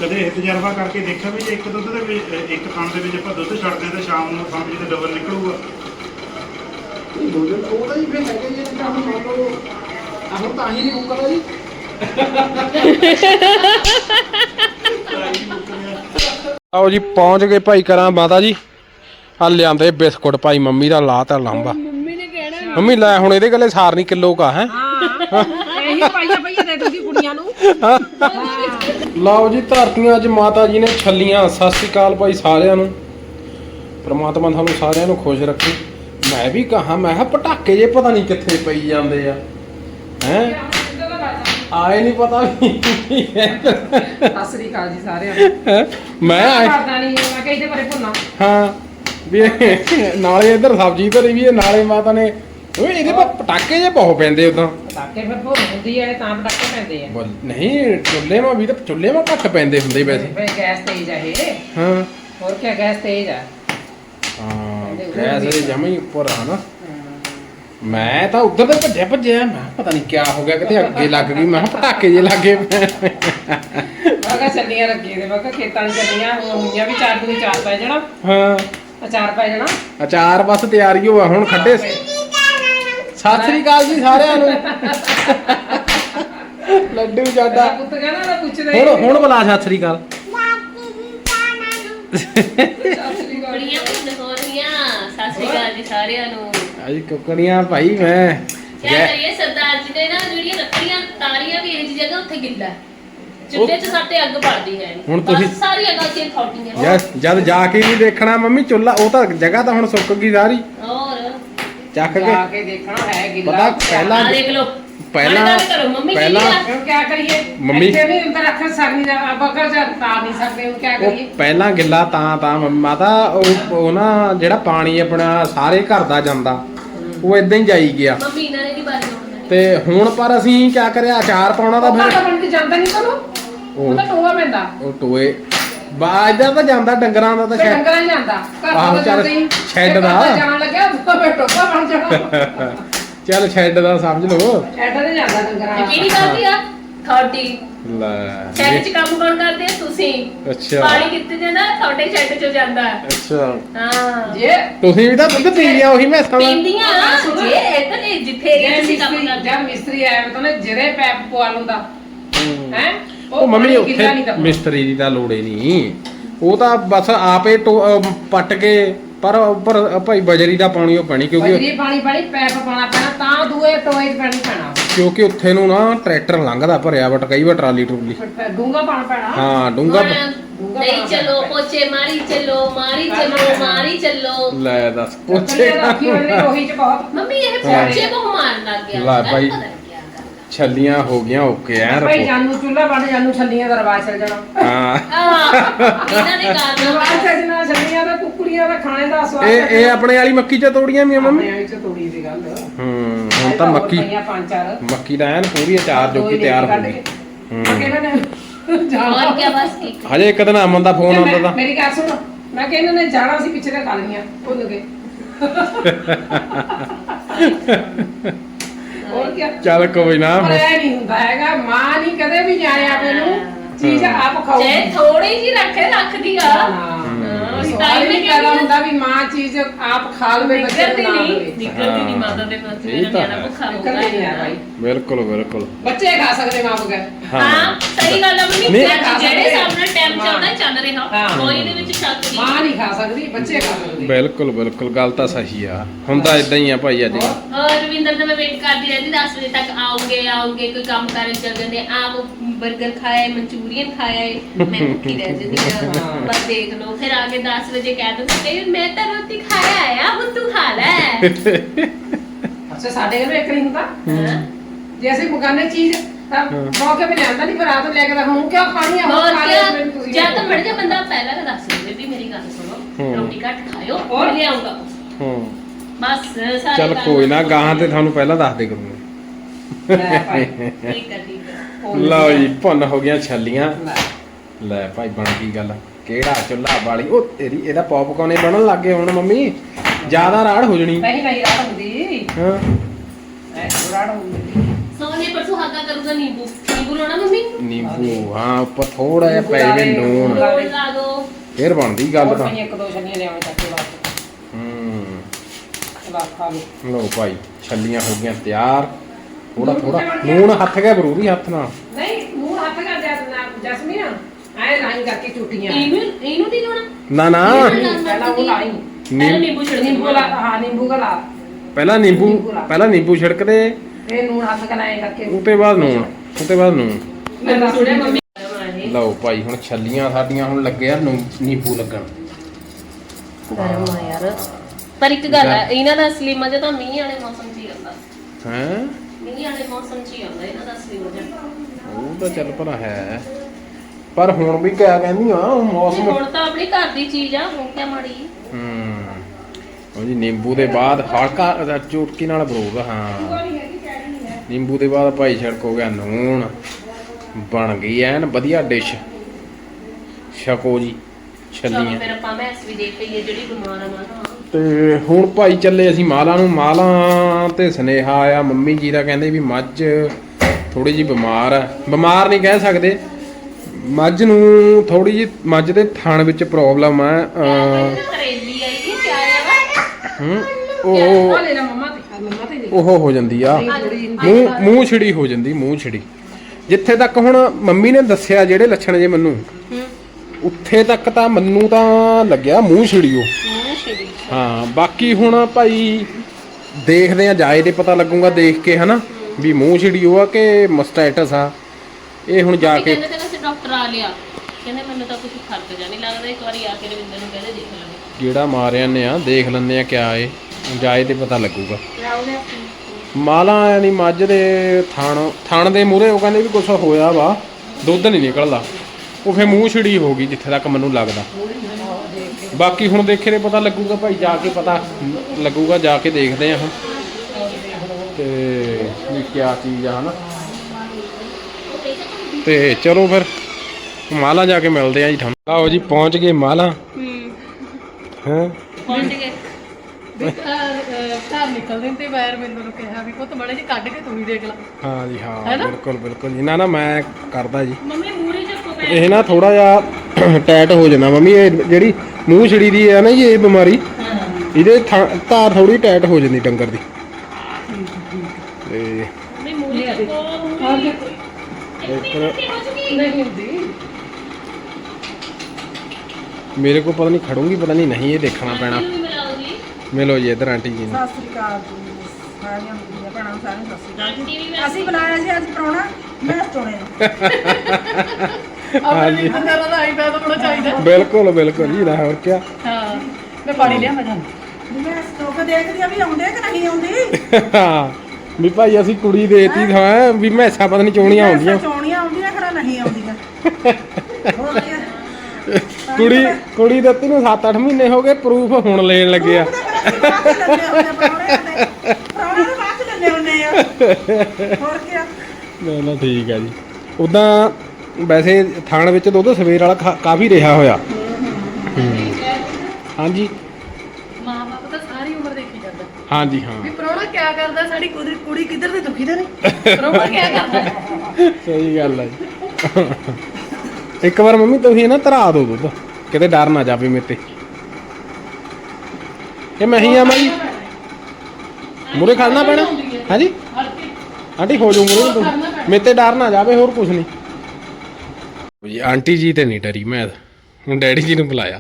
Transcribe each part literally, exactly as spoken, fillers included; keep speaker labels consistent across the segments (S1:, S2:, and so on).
S1: ਕਦੇ ਇਹ ਤਜਰਬਾ ਕਰਕੇ ਦੇਖਿਆ ਵੀ ਜੇ ਇੱਕ ਦੁੱਧ ਦੇ ਵਿੱਚ ਇੱਕ ਥਣ ਦੇ ਵਿੱਚ ਆਪਾਂ ਦੁੱਧ ਛੱਡਦੇ ਤਾਂ ਸ਼ਾਮ ਨੂੰ ਥਣ ਵਿੱਚ ਡਬਲ ਨਿਕਲੂਗਾ।
S2: ਉਹਦਾ ਹੀ ਫਿਰ ਹੈਗਾ ਜੀ ਕੰਮ ਮੰਨ ਲਓ ਆਹ ਤਾਂ ਹੀ ਨਹੀਂ ਮੁੱਕਦਾ ਜੀ।
S3: ਆਓ ਜੀ ਪਹੁੰਚ ਗਏ ਭਾਈ ਕਰਾਂ ਮਾਤਾ ਜੀ। ਆ ਲਿਆਂਦੇ ਬਿਸਕੁਟ ਭਾਈ ਮੰਮੀ ਦਾ ਲਾ ਤਾਂ ਲਾਂਬਾ।
S4: ਮੰਮੀ ਨੇ ਕਹਿਣਾ
S3: ਮੰਮੀ ਲੈ ਹੁਣ ਇਹਦੇ ਗੱਲੇ ਸਾਰਨੀ ਕਿਲੋ ਕਾ ਹੈ।
S4: ਹਾਂ ਇਹੀ ਪਾਈਆ ਪਾਈਆ ਦੇ ਦੂਗੀ ਕੁੜੀਆਂ ਨੂੰ।
S3: ਲਓ ਜੀ ਧਰਤੀਆਂ ਅੱਜ ਮਾਤਾ ਜੀ ਨੇ ਛੱਲੀਆਂ। ਸਤਿ ਸ੍ਰੀ ਅਕਾਲ ਭਾਈ ਸਾਰਿਆਂ ਨੂੰ। ਪ੍ਰਮਾਤਮਾ ਤੁਹਾਨੂੰ ਸਾਰਿਆਂ ਨੂੰ ਖੁਸ਼ ਰੱਖੇ। ਮੈਂ ਵੀ ਕਹਾ ਮੈਂ ਕਿਹਾ ਪਟਾਕੇ ਜੇ ਪਤਾ ਨਹੀਂ ਕਿੱਥੇ ਪਈ ਜਾਂਦੇ ਆ ਹੈ। ਆਏ ਨਹੀਂ ਪਤਾ ਵੀ
S4: ਸਤਿ ਸ੍ਰੀ ਅਕਾਲ ਜੀ ਸਾਰਿਆਂ ਨੂੰ।
S3: ਮੈਂ
S4: ਪਤਾ ਨਹੀਂ ਮੈਂ ਕਿਹਾ ਇਹਦੇ ਬਾਰੇ ਭੁੱਲਣਾ।
S3: ਹਾਂ ਵੀ ਇਹ ਨਾਲੇ ਇੱਧਰ ਸਬਜ਼ੀ ਧਰੀ ਵੀ ਨਾਲੇ ਮਾਤਾ ਨੇ ਓਏ ਇਹਦੇ ਪਰ ਪਟਾਕੇ ਜੇ ਬਹੁਤ ਪੈਂਦੇ ਉਦਾਂ।
S4: ਪਟਾਕੇ ਫਿਰ ਭੁੱਲ ਹੁੰਦੀ ਹੈ ਤਾਂ ਪਟਾਕੇ ਪੈਂਦੇ ਆ।
S3: ਨਹੀਂ ਚੁੱਲ੍ਹੇ ਮਾ ਵੀ ਤਾਂ ਚੁੱਲ੍ਹੇ ਮਾ ਘੱਟ ਪੈਂਦੇ ਹੁੰਦੇ ਵੈਸੇ।
S4: ਫਿਰ ਗੈਸ ਤੇਜ਼ ਆ ਇਹ।
S3: ਹਾਂ
S4: ਹੋਰ ਕੀ ਗੈਸ ਤੇਜ਼ ਆ।
S3: ਹਾਂ ਗੈਸ ਦੇ ਜਮਾ ਹੀ ਉੱਪਰ ਆ ਨਾ। ਮੈਂ ਤਾਂ ਉੱਧਰ ਤੇ ਭੱਜਿਆ ਭੱਜਿਆ ਮੈਂ ਪਤਾ ਨਹੀਂ ਕਿਆ ਹੋ ਗਿਆ ਕਿਤੇ ਅੱਗੇ ਲੱਗ ਗਈ। ਮੈਂ ਕਿਹਾ ਪਟਾਕੇ ਜੇ ਲੱਗੇ
S4: ਮੈਂ ਕਿਹਾ ਚੱਲੀਆਂ ਲੱਗੀ ਤੇ ਮੈਂ ਕਿਹਾ ਖੇਤਾਂ 'ਚ ਚੱਲੀਆਂ ਹੋਈਆਂ ਵੀ ਚਾਰ ਦੂਣੀ ਚਾਰ ਪੈ ਜਾਣਾ।
S3: ਹਾਂ
S4: ਅਚਾਰ ਪੈ ਜਾਣਾ।
S3: ਅਚਾਰ ਬਸ ਤਿਆਰੀ ਹੋਆ ਹੁਣ ਖੱਡੇ। ਸਤਿ ਸ੍ਰੀ ਅਕਾਲ ਜੀ ਸਾਰਿਆਂ ਨੂੰ। ਲੱਡੂ ਜਾਡਾ
S4: ਪੁੱਤ ਕਹਿੰਦਾ ਨਾ ਪੁੱਛਦੇ
S3: ਹੁਣ ਹੁਣ ਬੁਲਾ ਸਤਿ ਸ੍ਰੀ ਅਕਾਲ।
S5: ਕੁੜੀਆਂ ਭੁੱਲ ਹੋ ਰਹੀਆਂ। ਸਤਿ ਸ੍ਰੀ ਅਕਾਲ ਜੀ ਸਾਰਿਆਂ ਨੂੰ।
S3: ਅੱਜ ਕੁਕੜੀਆਂ ਭਾਈ ਮੈਂ
S5: ਕਿਆ ਕਰੀਏ ਸਰਦਾਰ ਜੀ ਨੇ ਨਾ ਜਿਹੜੀਆਂ ਲੱਕੜੀਆਂ ਤਾਰੀਆਂ ਵੀ ਇਹ ਜੀ ਜਗ੍ਹਾ ਉੱਥੇ ਗਿੱਲਾ ਚੁੱਲ੍ਹੇ 'ਚ ਸਾਡੇ ਅੱਗ ਬਲਦੀ ਹੈ।
S3: ਹੁਣ ਤੁਸੀਂ
S5: ਸਾਰੀ ਅੱਗ ਚ ਖੌਟੀਆਂ
S3: ਯਾਰ ਜਦ ਜਾ ਕੇ ਨਹੀਂ ਦੇਖਣਾ ਮੰਮੀ ਚੁੱਲਾ ਉਹ ਤਾਂ ਜਗ੍ਹਾ ਤਾਂ ਹੁਣ ਸੁੱਕ ਗਈ ਸਾਰੀ।
S5: ਹੋਰ
S3: ਚੱਕ
S4: ਜਾ
S3: ਕੇ
S4: ਕੇ ਦੇਖਣਾ ਹੈ ਗਿੱਲਾ।
S3: ਪਤਾ ਪਹਿਲਾਂ
S5: ਆ ਦੇਖ ਲਓ
S3: ਪਹਿਲਾਂ
S5: ਕਰੋ ਮੰਮੀ
S3: ਪਹਿਲਾਂ
S4: ਹੁਣ ਕੀ ਕਰੀਏ
S3: ਮੰਮੀ-
S4: ਇੱਥੇ ਵੀ ਅੰਦਰ ਰੱਖ ਸਕਦੀ ਦਾ ਬਕਰ ਜਾਂ ਤਾਰ ਨਹੀਂ ਸਕਦੇ ਹੁਣ ਕੀ
S3: ਉਹ
S4: ਕਰੀਏ।
S3: ਪਹਿਲਾਂ ਗਿੱਲਾ ਤਾਂ ਤਾਂ ਮਾਤਾ ਉਹ ਉਹ ਨਾ ਜਿਹੜਾ ਪਾਣੀ ਆਪਣਾ ਸਾਰੇ ਘਰ ਦਾ ਜਾਂਦਾ ਉਹ ਇਦਾਂ ਹੀ ਜਾਈ ਗਿਆ।
S5: ਮੰਮੀ ਇਹਨਾਂ ਨੇ ਦੀ ਬਾਤ ਹੋਣੀ
S3: ਤੇ ਹੁਣ ਪਰ ਅਸੀਂ ਕੀ ਕਰਿਆ ਅਚਾਰ ਪਾਉਣਾ ਤਾਂ
S4: ਉਹ
S3: ਫਿਰ
S4: ਤਾਂ ਬਣ ਕੇ ਜਾਂਦਾ ਨਹੀਂ ਤੁਹਾਨੂੰ। ਉਹ ਤਾਂ ਟੋਆ ਪੈਂਦਾ
S3: ਉਹ ਟੋਏ ਬਾਜਦਾ ਤਾਂ ਜਾਂਦਾ ਡੰਗਰਾਂ ਦਾ ਤਾਂ
S4: ਤੇ
S3: ਸ਼ਾਇਦ।
S4: ਡੰਗਰਾਂ ਹੀ ਜਾਂਦਾ ਘਰ
S3: ਆਹੋ
S4: ਦਾ
S3: ਚੱਲ
S4: ਜਾਂਦਾ ਹੀ
S3: ਸ਼ੈੱਡ
S4: ਤੇ
S3: ਦਾ।
S4: ਘਰ ਜਾਣ ਲੱਗਿਆ ਉਹ ਫਿਰ ਟੋਆ ਬਣ ਜਾਣਾ।
S3: ਚੱਲ ਸ਼ੈੱਡ ਦਾ ਸਮਝ ਲਓ।
S4: ਸ਼ੈੱਡ ਤੇ ਜਾਂਦਾ ਡੰਗਰਾਂ
S5: ਹੈ ਕਿਹੜੀ ਕਰਦੀ ਆ ਤੁਹਾਡੀ
S3: ਲੈ
S5: ਸ਼ੈੱਡ 'ਚ ਕੰਮ ਕੌਣ ਕਰਦੇ ਆ ਤੁਸੀਂ।
S3: ਅੱਛਾ
S5: ਪਾਣੀ ਕਿੱਥੇ ਜਾਂਦਾ ਤੁਹਾਡੇ ਸ਼ੈੱਡ 'ਚ ਜਾਂਦਾ।
S3: ਅੱਛਾ
S5: ਹਾਂ
S4: ਜੇ
S3: ਤੁਸੀਂ ਵੀ ਤਾਂ ਦੁੱਧ ਪੀ ਲਿਆ ਉਹੀ ਮੈਂ ਸਮਝ।
S5: ਪੀਂਦੀਆਂ ਜੇ ਇੱਧਰ ਇਹ ਜਿੱਥੇ
S4: ਜੇ
S5: ਤੁਸੀਂ ਕੰਮ
S4: ਮਿਸਤਰੀ
S5: ਕਰਦੇ
S4: ਜਾਂ ਮਿਸਤਰੀ ਆਇਆ ਤਾਂ ਨਾ ਜਿਹੜੇ ਪੈਪ ਪਵਾ ਲਉਂਦਾ ਹੈ
S3: ਉਹ ਮੰਮੀ ਉੱਥੇ ਮਿਸਤਰੀ ਦੀ ਤਾਂ ਲੋੜ ਹੀ ਨਹੀਂ। ਉਹ ਤਾਂ ਬਸ ਆਪੇ ਟੋ- ਅਹ ਪੱਟ ਕੇ ਪਰ ਉੱਪਰ ਭਾਈ ਬਜਰੀ ਦਾ ਪਾਣੀ ਉਹ ਪਾਣੀ ਕਿਉਂਕਿ
S4: ਬਜਰੀ ਪਾਣੀ ਪਾਣੀ ਪੈਪ ਪਾਣਾ ਪੈਣਾ ਤਾਂ ਦੂਏ ਟੋਏ 'ਚ ਪਾਣੀ ਪੈਣਾ।
S3: ਕਿਉਂਕਿ ਉੱਥੇ ਨੂੰ ਨਾ ਟਰੈਕਟਰ ਲੰਘਦਾ ਭਰਿਆ ਬਟ ਕਈ ਵਾਰ ਟਰਾਲੀ ਟਰੂਲੀ।
S4: ਡੂੰਗਾ ਪਾਣਾ ਪੈਣਾ।
S3: ਹਾਂ ਡੂੰਗਾ
S5: ਨਹੀਂ ਚਲੋ ਪੋਚੇ ਮਾਰੀ ਚੱਲੋ ਮਾਰੀ ਚੱਲੋ ਮਾਰੀ ਚੱਲੋ।
S3: ਲੈ ਦੱਸ
S4: ਪੁੱਛੇ
S3: ਪੁੱਛੇ
S4: ਰੱਖੀ ਹੋਣੀ ਉਹੀ 'ਚ ਬਹੁਤ।
S5: ਮੰਮੀ ਇਹ ਪੋਚੇ ਬਹੁ ਮਾਰਨ ਲੱਗ ਗਿਆ।
S3: ਲੈ ਭਾਈ।
S5: ਪਤਾ ਨੀ ਕਿਆ ਗੱਲ ਆ।
S3: ਛੱਲੀਆਂ ਹੋ ਗਈਆਂ ਓਕੇ ਐ
S4: ਭਾਈ
S3: ਰੱਖੋ।
S4: ਜਾਨੂ ਚੁੱਲ੍ਹਾ ਬਣ ਜਾਨੂ ਛੱਲੀਆਂ ਦਾ ਰਵਾਜ ਚੱਲ ਜਾਣਾ।
S3: ਹਾਂ
S5: ਆਹ, ਇਹਨਾਂ ਦੇ ਕਾਰਨ
S4: ਰਵਾਜ ਚੱਲ ਜਾਣਾ ਛੱਲੀਆਂ ਦਾ ਕੁੱਕੜੀਆਂ ਦਾ ਖਾਣੇ ਦਾ ਸਵਾਦ।
S3: ਇਹ ਇਹ ਆਪਣੇ ਵਾਲੀ ਮੱਕੀ ਚ ਤੋੜੀਆਂ ਵੀ ਆ ਮੰਮੀ।
S4: ਆਪਣੇ ਵਿੱਚ ਤੋੜੀ ਦੀ ਗੱਲ।
S3: ਹੂੰ ਹੁਣ ਤਾਂ ਮੱਕੀ
S4: ਪਈਆਂ ਪੰਜ ਚਾਰ
S3: ਮੱਕੀ ਦਾ ਐਨ ਪੂਰੀ ਅਚਾਰ ਜੋਗੀ ਤਿਆਰ ਹੋ ਗਈ।
S4: ਹੂੰ ਇਹਨਾਂ ਨੇ ਜਾਣਾ।
S5: ਹੋਰ ਕੀ ਬਸ ਕੀ
S3: ਹਜੇ ਇੱਕ ਦਿਨ ਅਮਨ ਦਾ ਫੋਨ ਆਉਂਦਾ ਤਾਂ
S4: ਮੇਰੀ ਗੱਲ ਸੁਣ ਮੈਂ ਕਿਹਾ ਇਹਨਾਂ ਨੇ ਜਾਣਾ ਸੀ ਪਿੱਛੇ ਤੇ ਕਾਲੀਆਂ ਭੁੱਲ ਗਏ। ਹੋਰ ਕੀ
S3: ਚੱਲ ਕੋਈ ਨਾ
S4: ਪਰ ਇਹ ਨਹੀਂ ਹੁੰਦਾ ਹੈਗਾ ਮਾਂ ਨਹੀਂ ਕਦੇ ਵੀ ਨਿਆਣਿਆਂ ਆਪੇ ਨੂੰ ਚੀਜ਼ ਆਪ ਖਾਓ।
S5: ਜੇ ਥੋੜੀ ਜੀ ਰੱਖੇ ਰੱਖਦੀ ਆ
S4: ਹਾਂ
S5: ਅਸੀਂ
S4: ਸਵਾਲ
S5: ਟਾਈਮ
S4: ਨਹੀਂ
S5: ਨਹੀਂ
S4: ਪੈਦਾ
S5: ਕਰਦਾ
S4: ਹੁੰਦਾ ਵੀ ਮਾਂ ਚੀਜ਼ ਆਪ ਖਾ ਲਵੇ ਬੱਚੇ
S5: ਨਿਕਲਦੀ
S4: ਨੂੰ ਨਾ
S5: ਨਹੀਂ
S4: ਦੇਵੇ।
S5: ਨਿਕਲਦੀ ਨਹੀਂ ਮਾਤਾ ਦੇ ਪਾਸ
S3: ਇਹ
S5: ਮੇਰਾ
S3: ਤਾਂ
S5: ਨਿਆਣਾ ਭੁੱਖਾ
S4: ਨਿਕਲਦੀ ਨਹੀਂ ਆ ਭਾਈ।
S3: ਬਿਲਕੁਲ ਬਿਲਕੁਲ
S4: ਬੱਚੇ ਖਾ ਸਕਦੇ ਮਾਂ ਬਗੈਰ।
S5: ਹਾਂ ਸਹੀ ਗੱਲ ਆ ਮੰਮੀ
S3: ਨਹੀਂ।
S5: ਜਿਹੜੇ ਸਾਹਮਣੇ ਟਾਈਮ ਚੱਲਦਾ ਚੱਲ ਰਿਹਾ
S4: ਹਾਂ।
S5: ਕੋਈ ਇਹਦੇ ਵਿੱਚ ਸ਼ੱਕ ਨਹੀਂ।
S4: ਮਾਂ ਨਹੀਂ ਖਾ ਸਕਦੀ ਬੱਚੇ ਖਾ ਸਕਦੇ।
S3: ਬਿਲਕੁਲ ਬਿਲਕੁਲ ਗੱਲ ਤਾਂ ਸਹੀ ਆ ਹੁੰਦਾ ਇਦਾਂ ਹੀ ਆ ਭਾਈ ਅੱਜ
S5: ਔਰ ਰਵਿੰਦਰ ਦਾ ਮੈਂ ਵੇਟ ਕਰਦੀ ਰਹਿੰਦੀ ਦਸ ਵਜੇ ਤੱਕ ਆਉਂਗੇ ਆਉਂਗੇ ਕੋਈ ਕੰਮ ਕਰਨ ਚੱਲ ਜਾਂਦੇ ਆਪ 버ਗਰ ਖਾਏ ਮਨਚੂਰੀਅਨ ਖਾਏ ਮੈਂ ਭੁੱਖੀ ਰਹਿ ਜਾਂਦੀ ਆ ਬਸ ਦੇਖ ਲਓ ਫਿਰ ਆ ਕੇ ਦਸ ਵਜੇ ਕਹਿ ਦਿੰਦੇ ਮੈਂ ਤਾਂ ਰੋਟੀ ਖਾਇਆ ਆਇਆ ਹੁਣ ਤੂੰ ਖਾ ਲੈ।
S4: ਅੱਛਾ ਸਾਡੇ ਘਰ ਇੱਕ ਨਹੀਂ ਹੁੰਦਾ
S5: ਹਾਂ।
S4: ਜੇ ਅਸੀਂ ਮਗਾਨੇ ਚੀਜ਼ ਤਾਂ ਮੌਕੇ ਤੇ ਲਿਆਂਦਾ ਨਹੀਂ ਪਰ ਰਾਤ ਨੂੰ ਲੈ ਕੇ ਤਾਂ ਹੁਣ ਕਿਉਂ ਖਾਣੀ ਆ
S5: ਹੋਰ
S4: ਹੁਣ ਖਾ ਲਿਆ ਮੈਨੂੰ
S5: ਕੀ
S4: ਤੁਸੀਂ।
S5: ਜਾਂ ਤਾਂ ਮੜ ਜਾ ਬੰਦਾ ਪਹਿਲਾਂ ਤਾਂ ਦੱਸ ਦਿੰਦੇ ਵੀ ਮੇਰੀ ਗੱਲ ਸੁਣੋ ਰੋਟੀ ਘੱਟ ਖਾਇਓ
S3: ਹੋਰ?
S5: ਮੈਂ ਲਿਆਉਂਗਾ
S3: ਹੂੰ
S5: ਬਸ ਸਾਰੇ
S3: ਚੱਲ
S5: ਕੰਮ
S3: ਕੋਈ ਨਾ ਗਾਹਾਂ ਤੇ ਤੁਹਾਨੂੰ ਪਹਿਲਾਂ ਦੱਸ ਦੇ ਕਰੂੰਗਾ।
S4: ਲੈ ਭਾਈ
S5: ਠੀਕ ਹੈ ਠੀਕ ਹੈ।
S3: ਲਓ ਜੀ ਭੁੰਨ ਹੋ ਗਈਆਂ ਛੱਲੀਆਂ।
S4: ਲੈ।
S3: ਲੈ ਭਾਈ ਬਣ ਗਈ ਗੱਲ। ਕਿਹੜਾ ਚੁੱਲ੍ਹਾ ਵਾਲੀ ਉਹ ਤੇਰੀ ਇਹਦਾ ਪੌਪਕੌਰਨ ਬਣਨ ਲੱਗ ਗਏ ਹੁਣ ਮੰਮੀ ਜ਼ਿਆਦਾ ਰਾੜ ਹੋ ਜਣੀ।
S4: ਨਹੀਂ ਨਹੀਂ ਰਾੜ ਹੁੰਦੀ
S3: ਹਾਂ
S4: ਐ ਰਾੜ ਹੁੰਦੀ।
S5: ਸੋਨੇ ਪਰਸੋਂ ਹਾਗਾ ਕਰੂਗਾ ਨੀਂਬੂ ਨੀਂਬੂ ਨਿੰਬੂ ਲਾਉਣਾ ਮੰਮੀ
S3: ਨਿੰਬੂ ਹਾਂ ਉੱਪਰ ਥੋੜਾ ਜਿਹਾ ਪੈ ਜਾਵੇ ਲੂਣ
S5: ਲੂਣ ਲਾ ਦੋ
S3: ਫੇਰ ਬਣਦੀ ਗੱਲ ਤਾਂ
S4: ਇੱਕ ਦੋ ਛੱਲੀਆਂ ਲਿਆਵੇਂ ਚੱਕੇ ਵਾਸਤੇ
S3: ਹੂੰ
S4: ਚਲਾ ਖਾ ਲਓ
S3: ਲਓ ਭਾਈ ਛੱਲੀਆਂ ਹੋ ਗਈਆਂ ਤਿਆਰ ਥੋੜਾ ਥੋੜਾ ਲੂਣ ਹੱਥ ਗਿਆ ਜ਼ਰੂਰੀ ਹੱਥ ਨਾਲ
S4: ਨਹੀਂ ਮੂੰਹ ਹੱਥ ਕਰ ਜਾ ਜਸਮੀਨ ਐ ਲਾਈਨ ਕਰਕੇ ਚੁਟੀਆਂ
S5: ਇਹਨੂੰ ਇਹਨੂੰ ਨਹੀਂ ਲਾਉਣਾ
S3: ਨਾ ਨਾ
S4: ਪਹਿਲਾਂ ਉਹ ਲਾਈ
S5: ਪਹਿਲਾਂ ਨਿੰਬੂ ਛਿੜਕ
S4: ਨਿੰਬੂ ਲਾ ਹਾਂ ਨਿੰਬੂ ਦਾ ਲਾ
S3: ਪਹਿਲਾਂ ਨਿੰਬੂ ਪਹਿਲਾਂ ਨਿੰਬੂ ਛਿੜਕਦੇ
S4: ਫੇਰ ਨੂਣ ਹੱਥ ਕਲਾਏ ਕਰਕੇ
S3: ਉਤੇ ਬਾਅਦ ਨੂਣ ਉਤੇ ਬਾਅਦ ਨੂਣ
S4: ਮੈਂ ਦੱਸ ਰਿਹਾ ਮੰਮੀ
S3: ਲਓ ਭਾਈ ਹੁਣ ਛੱਲੀਆਂ ਸਾਡੀਆਂ ਹੁਣ ਲੱਗਿਆ ਨਿੰਬੂ ਲੱਗਣ
S5: ਗਰਮ ਆ ਯਾਰ ਪਰ ਇੱਕ ਗੱਲ ਹੈ ਇਹਨਾਂ ਦਾ ਅਸਲੀ ਮਜ਼ਾ ਤਾਂ ਮੀਂਹ ਵਾਲੇ ਮੌਸਮ 'ਚ ਹੀ ਆਉਂਦਾ
S3: ਹੈ
S5: ਮੀਂਹ ਵਾਲੇ ਮੌਸਮ 'ਚ ਹੀ ਆਉਂਦਾ ਇਹਨਾਂ ਦਾ ਅਸਲੀ ਮਜ਼ਾ
S3: ਉਹ ਤਾਂ ਚੱਲ ਭਲਾ ਹੈ ਪਰ ਹੁਣ ਵੀ ਕਿਆ ਕਹਿੰਦੀ ਆ ਮੌਸਮ
S5: ਹੁਣ ਤਾਂ ਆਪਣੀ ਘਰ ਦੀ ਚੀਜ਼ ਆ ਹੁਣ ਕਿਆ ਮਾੜੀ
S3: ਹੂੰ ਉਹ ਜੀ ਨਿੰਬੂ ਦੇ ਬਾਅਦ ਹਲਕਾ ਚੁਟਕੀ ਨਾਲ ਬਰੋਗਾ ਹਾਂ ਨਿੰਬੂ ਦੇ ਬਾਅਦ ਭਾਈ ਛੜਕ ਹੋ ਗਿਆ ਨੂਣ ਬਣ ਗਈ ਐਨ ਵਧੀਆ ਡਿਸ਼ ਛਕੋ ਜੀ
S5: ਚਲੋ
S3: ਛੱਲੀਆਂ
S5: ਫਿਰ ਆਪਾਂ ਮੈਸ ਵੀ ਦੇਖ ਲਈਏ ਜਿਹੜੀ ਬਿਮਾਰ ਆ ਮਾਂ
S3: ਤੇ ਹੁਣ ਭਾਈ ਚੱਲੇ ਅਸੀਂ ਮਾਲਾ ਨੂੰ ਮਾਲਾ ਤੇ ਸੁਨੇਹਾ ਆਇਆ ਮੰਮੀ ਜੀ ਦਾ ਕਹਿੰਦੇ ਵੀ ਮੱਝ ਥੋੜੀ ਜੀ ਬਿਮਾਰ ਆ ਬਿਮਾਰ ਨਹੀਂ ਕਹਿ ਸਕਦੇ ਮੱਝ ਨੂੰ ਥੋੜੀ ਜੀ ਮੱਝ ਦੇ ਥਣ ਵਿੱਚ ਪ੍ਰੋਬਲਮ ਆ ਅਹ,
S5: ਕਰੇਲੀ ਆਈ ਕਿ ਕਿਆ ਆ
S3: ਹੂੰ ਉਹ
S4: ਆ ਲੈ ਲੈ ਮੰਮਾ ਤੇ ਮੰਮਾ ਤੇ
S3: ਉਹ ਹੋ ਜਾਂਦੀ ਆ ਮੂੰਹ ਮੂੰਹ ਛਿੜੀ ਹੋ ਜਾਂਦੀ ਮੂੰਹ ਛਿੜੀ ਜਿੱਥੇ ਤੱਕ ਹੁਣ ਮੰਮੀ ਨੇ ਦੱਸਿਆ ਜਿਹੜੇ ਲੱਛਣ ਜੇ ਮੈਨੂੰ ਉੱਥੇ ਤੱਕ ਤਾਂ ਮੈਨੂੰ ਤਾਂ ਲੱਗਿਆ ਮੂੰਹ ਛਿੜੀਓ ਹਾਂ ਬਾਕੀ ਹੁਣ ਭਾਈ ਦੇਖਦੇ ਆ ਜਾਏ ਤੇ ਪਤਾ ਲੱਗੂਗਾ ਦੇਖ ਕੇ ਹਨਾ ਵੀ ਮੂੰਹ ਛਿੜੀਓ ਆ ਕਿ ਮਸਟਾਈਟਸ ਆ ਇਹ ਹੁਣ ਜਾ ਕੇ
S5: ਕਹਿੰਦੇ ਤੇ ਡਾਕਟਰ ਆ ਲਿਆ ਕਹਿੰਦੇ ਮੈਨੂੰ ਤਾਂ ਕੁਝ ਫਰਕ ਜਾਂ ਨਹੀਂ ਲੱਗਦਾ ਇੱਕ ਵਾਰੀ ਆ ਕੇ ਰਵਿੰਦਰ ਨੂੰ ਕਹਿੰਦੇ ਦੇਖ ਲਾਂਗੇ
S3: ਕਿਹੜਾ ਮਾਰਿਆ ਨੇ ਆ ਦੇਖ ਲੈਂਦੇ ਆ ਕਿਆ ਏ ਜਾਏ ਤੇ ਪਤਾ ਲੱਗੂਗਾ ਮਾਲਾ ਯਾਨੀ ਮੱਝ ਦੇ ਥਣ ਥਣ ਦੇ ਮੂਹਰੇ ਉਹ ਕਹਿੰਦੇ ਵੀ ਕੁਛ ਹੋਇਆ ਵਾ ਦੁੱਧ ਨਹੀਂ ਨਿਕਲਦਾ ਉਹ ਫੇ ਮੂੰਹ ਛਿੜੀ ਹੋ ਗਈ ਜਿੱਥੇ ਤੱਕ ਮੈਨੂੰ ਲੱਗਦਾ ਬਾਕੀ ਹੁਣ ਦੇਖੇ ਤੇ ਪਤਾ ਲੱਗੂਗਾ ਭਾਈ ਜਾ ਕੇ ਪਤਾ ਲੱਗੂਗਾ ਜਾ ਕੇ ਦੇਖਦੇ ਆ ਹੁਣ ਤੇ ਵੀ ਕਿਆ ਚੀਜ਼ ਆ ਹਨਾ ਤੇ ਚਲੋ ਫਿਰ ਮਾਲਾ ਜਾ ਕੇ ਮਿਲਦੇ ਆ ਜੀ ਤੁਹਾਨੂੰ ਆਓ ਜੀ ਪਹੁੰਚ ਗਏ ਮਾਲਾ ਹਾਂ
S5: ਪਹੁੰਚ ਗਏ
S2: ਘਰ ਨਿਕਲਦੇ ਤੇ ਵਾਇਰ ਮੈਨੂੰ ਨੂੰ ਕਿਹਾ ਵੀ ਪੁੱਤ ਬੜੇ ਜੀ ਕੱਢ ਕੇ ਤੂੰ ਵੀ ਦੇਖ ਲੈ
S3: ਹਾਂ ਜੀ ਹਾਂ ਬਿਲਕੁਲ ਬਿਲਕੁਲ ਜੀ ਨਾ ਨਾ ਮੈਂ ਕਰਦਾ ਜੀ
S5: ਮੰਮੀ ਮੂਰੀ ਚੱਕੋ ਪੈ
S3: ਇਹ ਨਾ ਥੋੜਾ ਜਿਹਾ ਟੈਟ ਹੋ ਜਾਂਦਾ ਮੰਮੀ ਇਹ ਜਿਹੜੀ ਮੂੰਹ ਛਿੜੀ ਦੀ ਹੈ ਨਾ ਜੀ ਇਹ ਬਿਮਾਰੀ ਇਹਦੇ ਧਾਰ ਥੋੜੀ ਟੈਟ ਹੋ ਜਾਂਦੀ ਡੰਗਰ ਦੀ ਤੇ
S5: ਮੰਮੀ ਮੂਰੀ ਚੱਕੋ ਮੂਰੀ ਇੱਕ
S2: ਨਹੀਂ ਹੁੰਦੀ
S3: ਮੇਰੇ ਕੋਲ ਪਤਾ ਨਹੀਂ ਖੜੂੰਗੀ ਪਤਾ ਨਹੀਂ ਨਹੀਂ ਇਹ ਦੇਖਣਾ ਪੈਣਾ
S5: ਮਿਲਾਓ ਜੀ
S3: ਮਿਲੋ ਜੀ ਇੱਧਰ ਆਂਟੀ ਜੀ ਨੂੰ
S2: ਸਤਿ ਸ੍ਰੀ ਅਕਾਲ ਜੀ ਸਾਰਿਆਂ ਨੂੰ ਦੀਆਂ ਭੈਣਾਂ ਨੂੰ ਸਾਰਿਆਂ ਨੂੰ ਸਤਿ ਸ੍ਰੀ ਅਕਾਲ
S5: ਆਂਟੀ ਵੀ
S2: ਜੀ
S5: ਮੈਂ
S2: ਅਸੀਂ ਬਣਾਇਆ ਸੀ ਅੱਜ ਪਰੌਣਾ ਮੈਂ ਚੋਣੇ
S3: ਹਾਂਜੀ
S2: ਅੰਦਰ ਦਾ ਆਈ ਤਾਂ ਬੜਾ ਚਾਹੀਦਾ
S3: ਬਿਲਕੁਲ ਬਿਲਕੁਲ ਜੀ ਨਾ ਹੋਰ ਕੀ
S2: ਹਾਂ ਮੈਂ ਪਾਣੀ ਲਿਆ ਮੈਂ ਜਾਂਦੀ ਮੈਂ ਸਟੋਕ ਦੇਖਦੀ ਆ ਵੀ ਆਉਂਦੇ ਕਿ ਨਹੀਂ ਆਉਂਦੀ
S3: ਵੀ ਭਾਈ ਅਸੀਂ ਕੁੜੀ ਦੇਤੀ ਹਾਂ ਵੀ ਮੈਸਾਂ ਪਤਾ ਨਹੀਂ ਚੋਣੀਆਂ ਆਉਂਦੀਆਂ
S2: ਚੋਣੀਆਂ ਆਉਂਦੀਆਂ ਖਰਾ ਨਹੀਂ ਆਉਂਦੀਆਂ ਹੋਰ ਕੀ
S3: ਕੁੜੀ ਕੁੜੀ ਦਿੱਤੀ ਨੂੰ ਸੱਤ ਅੱਠ ਮਹੀਨੇ ਹੋ ਗਏ ਪ੍ਰੂਫ ਹੁਣ ਲੈਣ ਲੱਗੇ ਆ
S2: ਹੋਰ ਕੀ
S3: ਨਾ ਨਾ ਠੀਕ ਆ ਜੀ ਉਦਾਂ ਵੈਸੇ ਥਾਣ ਵਿੱਚ ਦੁੱਧ ਸਵੇਰ ਵਾਲਾ ਖਾ- ਕਾਫੀ ਰਿਹਾ ਹੋਇਆ ਹਾਂਜੀ
S2: ਮਾਂ ਬਾਪ ਤਾਂ ਸਾਰੀ ਉਮਰ ਦੇਖੀ ਜਾਂਦਾ
S3: ਹਾਂਜੀ ਹਾਂ
S2: ਵੀ ਪ੍ਰਾਹੁਣਾ ਕਿਆ ਕਰਦਾ ਸਾਡੀ ਕੁੜੀ ਕੁੜੀ ਕਿੱਧਰ ਦੀ ਦੁਖੀ ਤਾਂ ਨਹੀਂ ਪ੍ਰਾਹੁਣਾ ਕਿਆ ਕਰਦਾ
S3: ਸਹੀ ਗੱਲ ਆ ਜੀ ਇੱਕ ਵਾਰ ਮੰਮੀ ਤੁਸੀਂ ਨਾ ਧਰਾ ਦਿਓ ਦੁੱਧ ਕਿਤੇ ਡਰ ਨਾ ਜਾਵੇ ਮੇਰੇ ਤੇ ਇਹ ਮੈਂ ਹੀ ਆ ਮੈਂ ਮੂਰੇ ਖੜਨਾ ਪੈਣਾ ਹਾਂਜੀ ਆਂਟੀ ਹੋ ਜਾਊ ਮੂਰੇ ਤੁਸੀਂ ਮੇਰੇ ਤੇ ਡਰ ਨਾ ਜਾਵੇ ਹੋਰ ਕੁਝ ਨਹੀਂ ਜੀ ਆਂਟੀ ਜੀ ਤੇ ਨਹੀਂ ਡਰੀ ਮੈਂ ਹੁਣ ਡੈਡੀ ਜੀ ਨੂੰ ਬੁਲਾਇਆ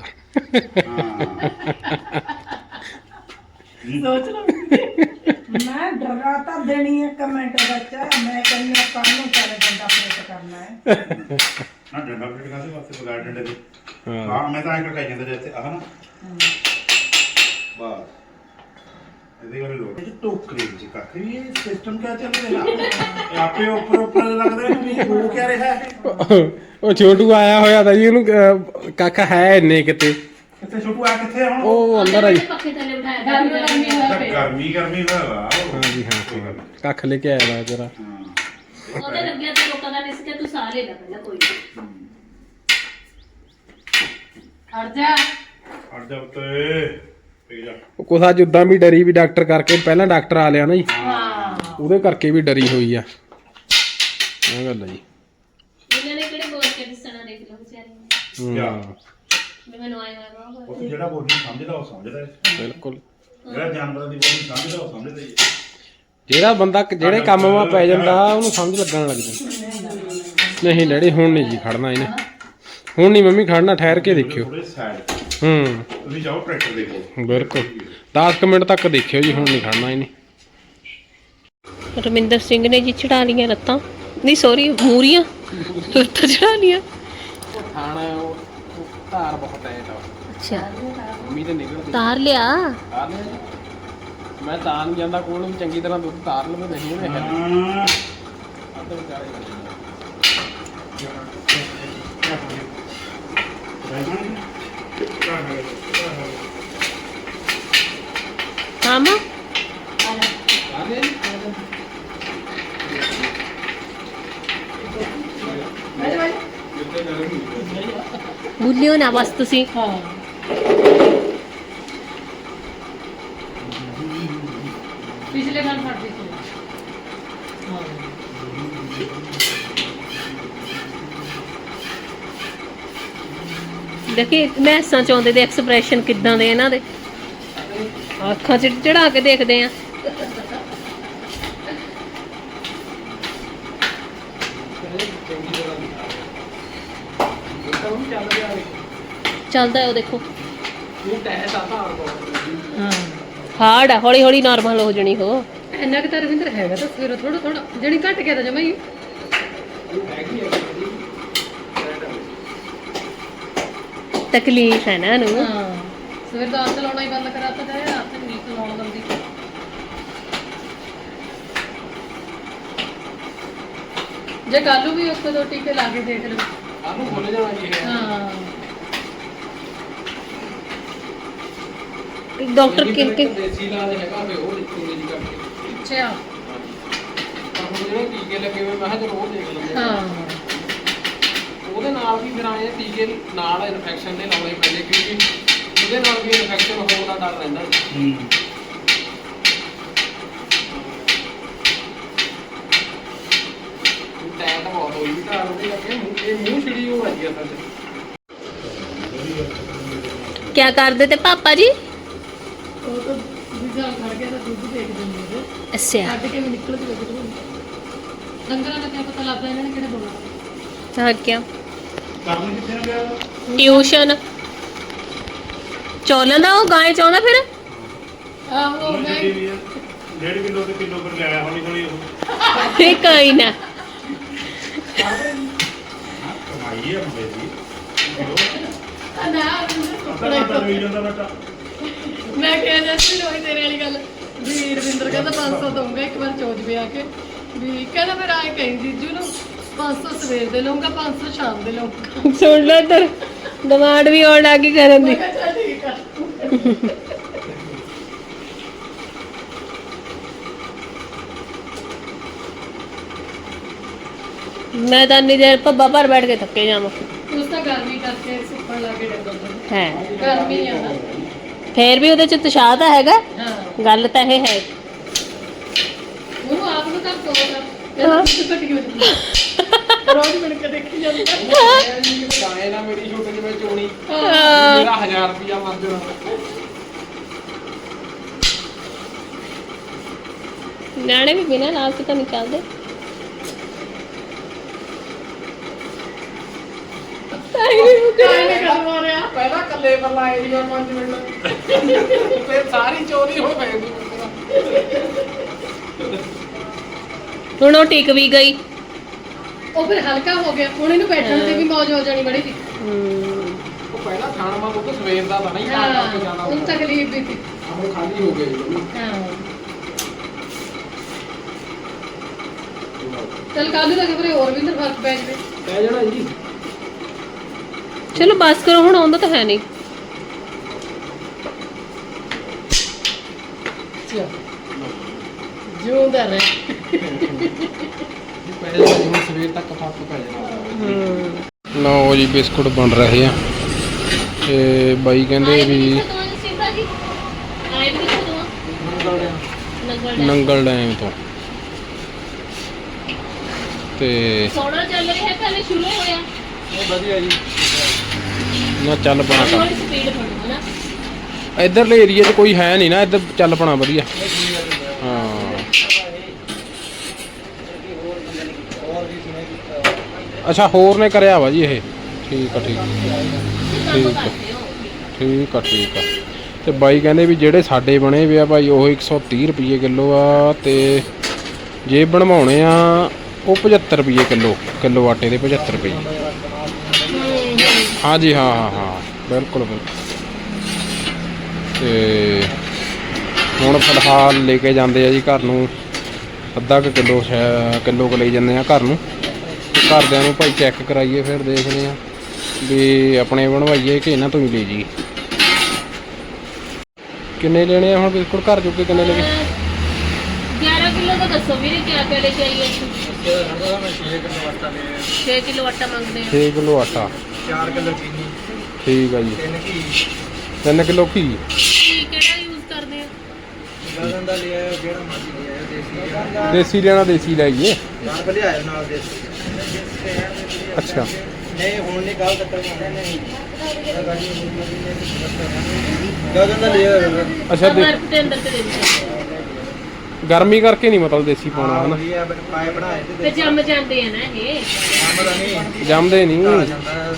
S2: ਸੋਚ ਲਓ ਮੈਂ ਡਰਾ ਤਾਂ ਦੇਣੀ ਹੈ ਕਮੈਂਟ ਵਿੱਚ ਮੈਂ ਕਹਿੰਦੀ ਆ ਕੱਲ ਨੂੰ ਚੱਲ ਬੰਦਾ ਪੇਟ ਕਰਨਾ ਹੈ
S1: ਨਾ ਡੰਡਾ ਪਲੇਟ ਕਾਹਦੇ ਵਾਸਤੇ ਬਗਾੜ ਡੰਡੇ ਦੇ ਹਾਂ ਮੈਂ ਤਾਂ ਐਂ ਕਹੀ ਜਾਂਦਾ ਜੇ ਇੱਥੇ ਆਹ ਨਾ ਵਾਹ ਇਹਦੇ ਵਾਲੇ ਲੋਕ ਇਹ ਟੋਕਰੀ ਜੀ ਕਾਕੇ ਇਹ ਸਿਸਟਮ ਕਿਆ ਚੱਲ ਰਿਹਾ ਇਹ ਆਪੇ ਉੱਪਰ ਉੱਪਰ ਲੱਗਦਾ ਵੀ ਹੋ ਕਿਆ ਰਿਹਾ ਹੈ
S3: ਉਹ ਛੋਟੂ ਆਇਆ ਹੋਇਆ ਤਾਂ ਜੀ ਉਹਨੂੰ ਅਹ, ਕਾਕਾ ਹੈ ਇੰਨੇ ਕਿਤੇ
S1: ਕਿੱਥੇ ਛੋਟੂ ਆ ਕਿੱਥੇ ਹੁਣ
S3: ਉਹ ਅੰਦਰ ਆ ਜੀ
S5: ਪੱਖੇ ਥੱਲੇ ਬਿਠਾਇਆ
S1: ਗਰਮੀ ਗਰਮੀ ਹੋਇਆ ਵਾ
S3: ਹਾਂਜੀ ਹਾਂ ਕੱਖ ਲੈ ਕੇ ਆਇਆ ਵਾ ਜਰਾ
S5: ਉਹਦੇ ਲੱਗਿਆ ਤੇ ਲੋਕਾਂ ਦਾ ਰਿਸਕ ਹੈ ਤੂੰ ਸਾਹ ਲੈ ਲੈ ਪਹਿਲਾਂ ਕੋਈ
S2: ਹਟ ਜਾ
S1: ਹਟ ਜਾ ਉੱਤੇ ਪੀ ਜਾ
S3: ਉਹ ਕੁਛ ਅੱਜ ਉਦਾਂ ਵੀ ਡਰੀ ਵੀ ਡਾਕਟਰ ਕਰਕੇ ਪਹਿਲਾਂ ਡਾਕਟਰ ਆ ਲਿਆ ਨਾ ਜੀ
S2: ਹਾਂ
S3: ਉਹਦੇ ਕਰਕੇ ਵੀ ਡਰੀ ਹੋਈ ਆ ਇਹ ਗੱਲ ਆ ਜੀ
S5: ਵਿਚਾਰੀ
S3: ਹੂੰ,
S5: ਵੀ ਮੈਨੂੰ ਆਏ ਹੋਇਆ ਵਾ
S1: ਉਹ ਜਿਹੜਾ ਬੋਲੀ ਸਮਝਦਾ ਉਹ ਸਮਝਦਾ ਹੈ।
S3: ਬਿਲਕੁਲ।
S1: ਜਿਹੜਾ ਜਾਨਵਰਾਂ ਦੀ ਬੋਲੀ ਸਮਝਦਾ ਉਹ ਸਮਝਦਾ ਹੀ ਹੈ।
S3: ਜਿਹੜਾ ਬੰਦਾ ਕ- ਜਿਹੜੇ ਕੰਮ ਵਾ ਪੈ ਜਾਂਦਾ ਉਹਨੂੰ ਸਮਝ ਲੱਗਣ ਲੱਗ ਜਾਂਦਾ। ਨਹੀਂ ਡੈਡੀ ਹੁਣ ਨਹੀਂ ਜੀ ਖੜਨਾ ਇਹਨੇ, ਹੁਣ ਨਹੀਂ ਮੰਮੀ ਖੜਨਾ, ਠਹਿਰ ਕੇ ਦੇਖਿਓ।
S1: ਥੋੜੇ ਸਾਈਡ
S3: ਹੂੰ
S1: ਤੁਸੀਂ ਜਾਓ ਟਰੈਕਟਰ ਦੇਖੋ।
S3: ਬਿਲਕੁਲ ਦਸ ਕੁ ਮਿੰਟ ਤੱਕ ਦੇਖਿਓ ਜੀ, ਹੁਣ ਨਹੀਂ ਖੜਨਾ ਇਹਨੇ।
S5: ਰਮਿੰਦਰ ਸਿੰਘ ਨੇ ਜੀ ਚੜਾ ਲੀਆਂ ਲੱਤਾਂ, ਨਹੀਂ ਸੌਰੀ ਮੂਰੀਆਂ ਲੱਤਾਂ ਚੜਾ ਲੀਆਂ।
S3: ਖਾਣਾ ਉਹ ਧਾਰ ਬਹੁਤ ਟਾਈਟ ਆ,
S5: ਅੱਛਾ
S3: ਮੰਮੀ ਤੇ ਨਿਕਲਦੀ
S5: ਤਾਰ ਲਿਆ।
S3: ਤਾਰ ਲਿਆ ਜੀ। ਮੈਂ ਤਾਂ ਨਹੀਂ ਜਾਂਦਾ ਕੋਲ ਨੂੰ, ਚੰਗੀ ਤਰ੍ਹਾਂ ਦੁੱਧ ਤਾਰ ਲਵੇ, ਨਹੀਂ ਉਹਨੇ ਹੈ
S1: ਹਾਂ
S3: ਅੱਧੇ ਵਿਚਾਰੇ
S5: ਹਾਂ ਮਾਂ
S3: ਆ ਗਏ ਜੀ। ਕਿੱਥੇ ਕਰੂੰਗੀ
S5: ਭੁੱਲਿਓ ਨਾ ਬਸ ਤੁਸੀਂ।
S4: ਪਿਛਲੇ ਗੱਲ ਫੜਦੀ ਸੀ।
S5: ਦੇਖੀ ਮੈਸਾਂ ਚ ਆਉਂਦੇ ਦੇ ਐਕਸਪ੍ਰੈਸ਼ਨ ਕਿੱਦਾਂ ਦੇ ਇਹਨਾਂ ਦੇ, ਅੱਖਾਂ ਚ ਚੜਾ ਕੇ ਦੇਖਦੇ ਆ। ਚੱਲਦਾ ਉਹ ਦੇਖੋ, ਹਾਰਡ ਆ, ਹੌਲੀ ਹੌਲੀ ਨਾਰਮਲ ਹੋ ਜਣੀ ਹੋ।
S4: ਇੰਨਾ ਕਿ ਤਾਂ ਰਵਿੰਦਰ ਹੈਗਾ ਤਾਂ ਸਵੇਰੋਂ ਥੋੜਾ ਥੋੜਾ ਜਿਹੜੀ ਘਟ ਗਿਆ ਤਾਂ ਜਮਾ ਹੀ
S5: ਤਕਲੀਫ ਹੈ ਨਾ ਇਹਨੂੰ।
S4: ਹਾਂ ਸਵੇਰ ਦਾ ਹੱਥ ਲਾਉਣਾ ਹੀ ਬੰਦ ਕਰਾਤਾ ਜਾਏ, ਹੱਥ ਨਹੀਂ ਲਾਉਣ ਦਿੰਦੀ। ਜੇ ਕੱਲੂ ਵੀ ਇੱਕ ਦੋ ਟੀਕੇ ਲਾ ਕੇ ਦੇਖ ਲਓ।
S3: ਆਹ ਨੂੰ ਖੁੱਲ ਜਾਣਾ ਜੀ ਇਹ।
S4: ਹਾਂ
S5: ਡਾਕਟਰ ਕਿਨ ਕਿ
S3: ਦੇਸੀ ਇਲਾਜ ਹੈਗਾ ਫੇ ਉਹ ਦੇਖੂਗੇ ਜੀ ਕਰਕੇ।
S4: ਅੱਛਾ
S3: ਪਰ ਹੁਣ ਜਿਹੜੇ ਟੀਕੇ ਲੱਗੇ ਹੋਏ ਮੈਂ ਕਿਹਾ ਚਲੋ ਉਹ ਦੇਖ ਲੈਂਦੇ ਹਾਂ।
S4: ਹਾਂ
S3: ਉਹਦੇ ਨਾਲ ਵੀ ਫਿਰ ਆਏ ਟੀਕੇ ਨਾਲ ਇਨਫੈਕਸ਼ਨ ਦੇ ਲਾਉਣੇ ਪੈਂਦੇ, ਕਿਉਂਕਿ ਉਹਦੇ ਨਾਲ ਵੀ ਇਨਫੈਕਸ਼ਨ ਹੋਣ ਦਾ ਡਰ ਰਹਿੰਦਾ ਜੀ।
S1: ਹੂੰ
S3: ਟੈਟ ਬਹੁਤ ਹੋਈ ਵੀ ਘਰ ਉਹਦੇ ਲੱਗੇ ਮੂੰਹ- ਇਹ ਮੂੰਹ ਛਿੜੀ ਹੋ ਰਹੀ ਆ ਸੱਚ।
S5: ਕਿਆ ਕਰਦੇ ਤੇ ਪਾਪਾ ਜੀ?
S4: ਉਹ ਤਾਂ ਵੀਜ਼ਾ ਖੜ ਗਿਆ ਤਾਂ ਦੁੱਧ ਦੇਖ ਦਿੰਦੇ ਨੇ,
S5: ਅੱਛਾ
S4: ਕੱਢ ਕੇ ਵੀ ਨਿਕਲ ਜੂਗਾ ਕਿਧਰੋਂ। ਡੰਗਰਾਂ ਦਾ ਕਿਆ ਪਤਾ ਲੱਗਦਾ ਇਹਨਾਂ ਨੇ ਕਿਹੜੇ ਬੋਲਣਾ।
S5: ਹਾਂ ਕਿਆ
S1: ਕਰਨ ਕਿੱਥੇ ਨਾ ਗਿਆ
S5: ਟਿਊਸ਼ਨ ਚੋਲਾਂ ਦਾ ਉਹ ਗਾਂ ਚਾਹੁੰਦਾ ਫਿਰ।
S4: ਆਹੋ
S1: ਉਹ
S4: ਮੈਂ
S1: ਛੱਡੀ ਵੀ ਹੈ। ਡੇਢ ਕਿਲੋ ਤੇ ਕਿਲੋ ਪਰ ਲਿਆਇਆ ਹੌਲੀ ਹੌਲੀ ਉਹ
S5: ਇਹ ਕੋਈ ਨਾ
S1: ਕਮਾਈ ਹੈ ਮੁੰਡੇ ਦੀ
S4: ਨਾ
S1: ਪਤਾ ਪਤਾ ਨਹੀਂ ਜਾਂਦਾ ਬੇਟਾ।
S4: ਮੈਂ ਕਿਹਾ ਜੈਸੀ ਰੋਈ ਤੇਰੇ ਵਾਲੀ ਗੱਲ ਵੀ ਰਵਿੰਦਰ ਕਹਿੰਦਾ ਪੰਜ ਸੌ ਦਊਂਗਾ ਇੱਕ ਵਾਰ ਚੋਜ ਵੀ ਆ ਕੇ, ਵੀ ਕਹਿੰਦਾ ਫਿਰ ਆਏ ਕਹੀਂ ਜੀਜੂ ਨੂੰ ਪੰਜ ਸੌ ਸਵੇਰ ਦੇ ਲਊਂਗਾ ਪੰਜ ਸੌ ਸ਼ਾਮ ਦੇ ਲਊਂਗਾ।
S5: ਸੁਣ ਲੈ ਇੱਧਰ ਡਿਮਾਂਡ ਵੀ ਆਉਣ ਲੱਗੀ ਕਰਨ ਦੀ।
S4: ਮੈਂ ਕਿਹਾ ਚੱਲ ਠੀਕ ਆ।
S5: ਮੈਂ ਤਾਂ ਇੰਨੀ ਦੇਰ ਭੱਬਾ ਭਰ ਬੈਠ ਕੇ ਥੱਕੇ ਜਾਵਾਂ।
S4: ਉਸ ਤਾਂ ਗਰਮੀ ਕਰਕੇ ਸੁੱਕਣ ਲੱਗੇ ਡੰਗਰ ਨੂੰ।
S5: ਹੈ
S4: ਗਰਮੀ ਆ ਨਾ।
S5: ਫੇਰ ਵੀ ਉਹਦੇ ਚ ਉਤਸ਼ਾਹ ਤਾਂ ਹੈਗਾ,
S4: ਹਾਂ
S5: ਗੱਲ ਤਾਂ ਇਹ ਹੈ।
S4: ਉਹ ਆਪ ਨੂੰ ਤਾਂ ਕੋਲ
S5: ਹਾਂ।
S4: ਘਟੀ ਹੋ ਜਾਂਦੀ ਰੋਜ਼ ਮਿਲ ਕੇ ਦੇਖੀ ਜਾਂਦੀ
S3: ਗਾਏ ਨਾ ਮੇਰੀ ਛੋਟੇ ਜਿਹੇ ਚੋਣੀ
S5: ਹਾਂ।
S3: ਮੇਰਾ ਹਜ਼ਾਰ ਰੁਪਿਆ ਮਰ ਜਾਣਾ।
S5: ਨਿਆਣੇ ਵੀ ਬਿਨਾਂ ਲਾਲਚ ਤਾਂ ਨਹੀਂ ਚੱਲਦੇ।
S3: ਪਹਿਲਾਂ ਕੱਲੇ ਪਰ ਲਾਏ ਜੀ ਪੰਜ ਮਿੰਟ ਫਿਰ ਸਾਰੀ ਚੋਰੀ ਹੋ ਗਈ।
S5: ਹੁਣ ਉਹ ਟਿਕ ਵੀ ਗਈ।
S4: ਉਹ ਫਿਰ ਹਲਕਾ ਹੋ ਗਿਆ, ਹੁਣ ਇਹਨੂੰ ਬੈਠਣ ਤੇ ਵੀ ਮੌਜ ਹੋ ਜਾਣੀ ਬੜੀ ਸੀ।
S3: ਉਹ ਪਹਿਲਾਂ ਖਾਣ ਮਾ ਉਹ ਸਵੇਰ ਦਾ ਤਾਂ ਨਹੀਂ ਖਾ
S4: ਹਾਂ
S3: ਕੇ ਜਾਣਾ
S4: ਉਹਨੂੰ ਤਕਲੀਫ ਵੀ ਸੀ।
S3: ਹੁਣ ਖਾਲੀ ਹੋ ਗਈ।
S4: ਹਾਂ ਚਲ ਕੱਲ ਤੱਕ ਫਿਰ ਹੋਰ ਵੀ ਫਰਕ ਪੈ ਜਾਵੇ।
S3: ਕਹਿ ਜਾਣਾ ਜੀ
S5: ਚਲੋ ਬਸ ਕਰੋ, ਹੁਣ ਆਉਂਦਾ ਤਾਂ ਹੈ ਨਹੀਂ।
S4: ਜਿਉਂਦਾ ਰਹਿ।
S3: ਪਹਿਲੇ ਹੁਣ ਸਵੇਰ ਤੱਕ ਫਰਕ ਪੈ ਜਾਣਾ। ਲਓ ਜੀ ਬਿਸਕੁਟ ਬਣ ਰਹੇ ਆ ਤੇ ਬਾਈ ਕਹਿੰਦੇ ਵੀ ਨੰਗਲ ਡੈਮ ਤੋਂ ਤੇ
S5: ਸੋਨਾ ਚੱਲ ਰਿਹਾ ਪਹਿਲੇ ਸ਼ੁਰੂ ਹੋਇਆ।
S3: ਵਧੀਆ ਜੀ ਨਾ ਚੱਲ ਪਣਾ ਕੰਮ
S5: ਥੋੜੀ ਸਪੀਡ ਫੜੋ ਨਾ
S3: ਇਧਰਲੇ ਏਰੀਆ 'ਚ ਕੋਈ ਹੈ ਨਹੀਂ ਨਾ ਇੱਧਰ ਚੱਲ ਪਣਾ ਵਧੀਆ ਹਾਂ ਅੱਛਾ ਹੋਰ ਨੇ ਕਰਿਆ ਵਾ ਜੀ ਇਹ ਠੀਕ ਆ ਠੀਕ ਆ ਠੀਕ ਆ ਠੀਕ ਆ ਠੀਕ ਆ ਤੇ ਬਾਈ ਕਹਿੰਦੇ ਵੀ ਜਿਹੜੇ ਸਾਡੇ ਬਣੇ ਵੇ ਆ ਭਾਈ ਉਹ ਇੱਕ ਸੌ ਤੀਹ ਰੁਪਏ ਕਿਲੋ ਆ ਤੇ ਜੇ ਬਣਵਾਉਣੇ ਆ ਉਹ ਪਝੱਤਰ ਰੁਪਏ ਕਿਲੋ ਕਿਲੋ ਆਟੇ ਦੇ ਪਝੱਤਰ ਰੁਪਏ ਹਾਂ ਜੀ ਹਾਂ ਹਾਂ ਹਾਂ ਬਿਲਕੁਲ ਬਿਲਕੁਲ ਤੇ ਹੁਣ ਫਿਲਹਾਲ ਲੈ ਕੇ ਜਾਂਦੇ ਆ ਜੀ ਘਰ ਨੂੰ ਅੱਧਾ ਕੁ ਕਿਲੋ ਕਿਲੋ ਕੁ ਲਈ ਜਾਂਦੇ ਆ ਘਰ ਨੂੰ ਘਰਦਿਆਂ ਨੂੰ ਭਾਈ ਚੈੱਕ ਕਰਾਈਏ ਫਿਰ ਦੇਖਦੇ ਆ ਵੀ ਆਪਣੇ ਬਣਵਾਈਏ ਕਿ ਇਹਨਾਂ ਤੋਂ ਹੀ ਲੈ ਜੀ ਕਿੰਨੇ ਲੈਣੇ ਆ ਹੁਣ ਬਿਲਕੁਲ ਘਰ ਚੁੱਕੇ ਕਿੰਨੇ ਲੈ ਗਏ
S5: ਗਿਆਰਾਂ ਕਿਲੋ ਦਾ ਦੱਸੋ ਵੀਰੇ ਕਿਆ ਕਿਆ ਲੈ ਕੇ ਆਈਏ ਛੇ ਕਿਲੋ ਆਟਾ ਮੰਗਦੇ ਆ
S3: ਛੇ ਕਿਲੋ ਆਟਾ
S6: ਚਾਰ ਕਿਲੋ ਚੀਨੀ
S3: ਠੀਕ ਆ ਜੀ
S6: ਤਿੰਨ ਘੀ
S3: ਤਿੰਨ ਕਿਲੋ ਘੀ
S5: ਕੀ ਕਿਹੜਾ ਯੂਜ਼ ਕਰਦੇ ਆ
S6: ਗਾਜਨ ਦਾ ਲਿਆ ਜਿਹੜਾ ਮਰਜ਼ੀ ਲਿਆ ਦੇਸੀ
S3: ਦੇਸੀ ਲੈਣਾ ਦੇਸੀ ਲੈ ਆਈਏ
S6: ਨਾਲ ਭਲੇ ਆਇਓ ਨਾਲ ਦੇਸੀ
S3: ਅੱਛਾ
S6: ਨਹੀਂ ਹੁਣ ਨਹੀਂ ਕੱਲ ਤੱਕ ਨਹੀਂ ਗਾਜਨ ਦਾ ਲਿਆ
S3: ਅੱਛਾ ਦੇ
S5: ਬਰਫ ਦੇ ਅੰਦਰ ਤੇ ਦੇ ਦਿਓ
S3: ਗਰਮੀ ਕਰਕੇ ਨਹੀਂ ਮਤਲਬ ਦੇਸੀ ਪਾਉਣਾ ਹਨਾ
S6: ਵਧੀਆ ਪਾਏ ਬਣਾਏ ਤੇ
S5: ਤੇ ਜੰਮ ਜਾਂਦੇ ਆ ਨਾ ਇਹ
S6: ਕੰਮ ਦਾ ਨਹੀਂ
S3: ਜੰਮਦੇ ਨਹੀਂ
S6: ਆ
S3: ਹਾਂ
S6: ਜਾਂਦਾ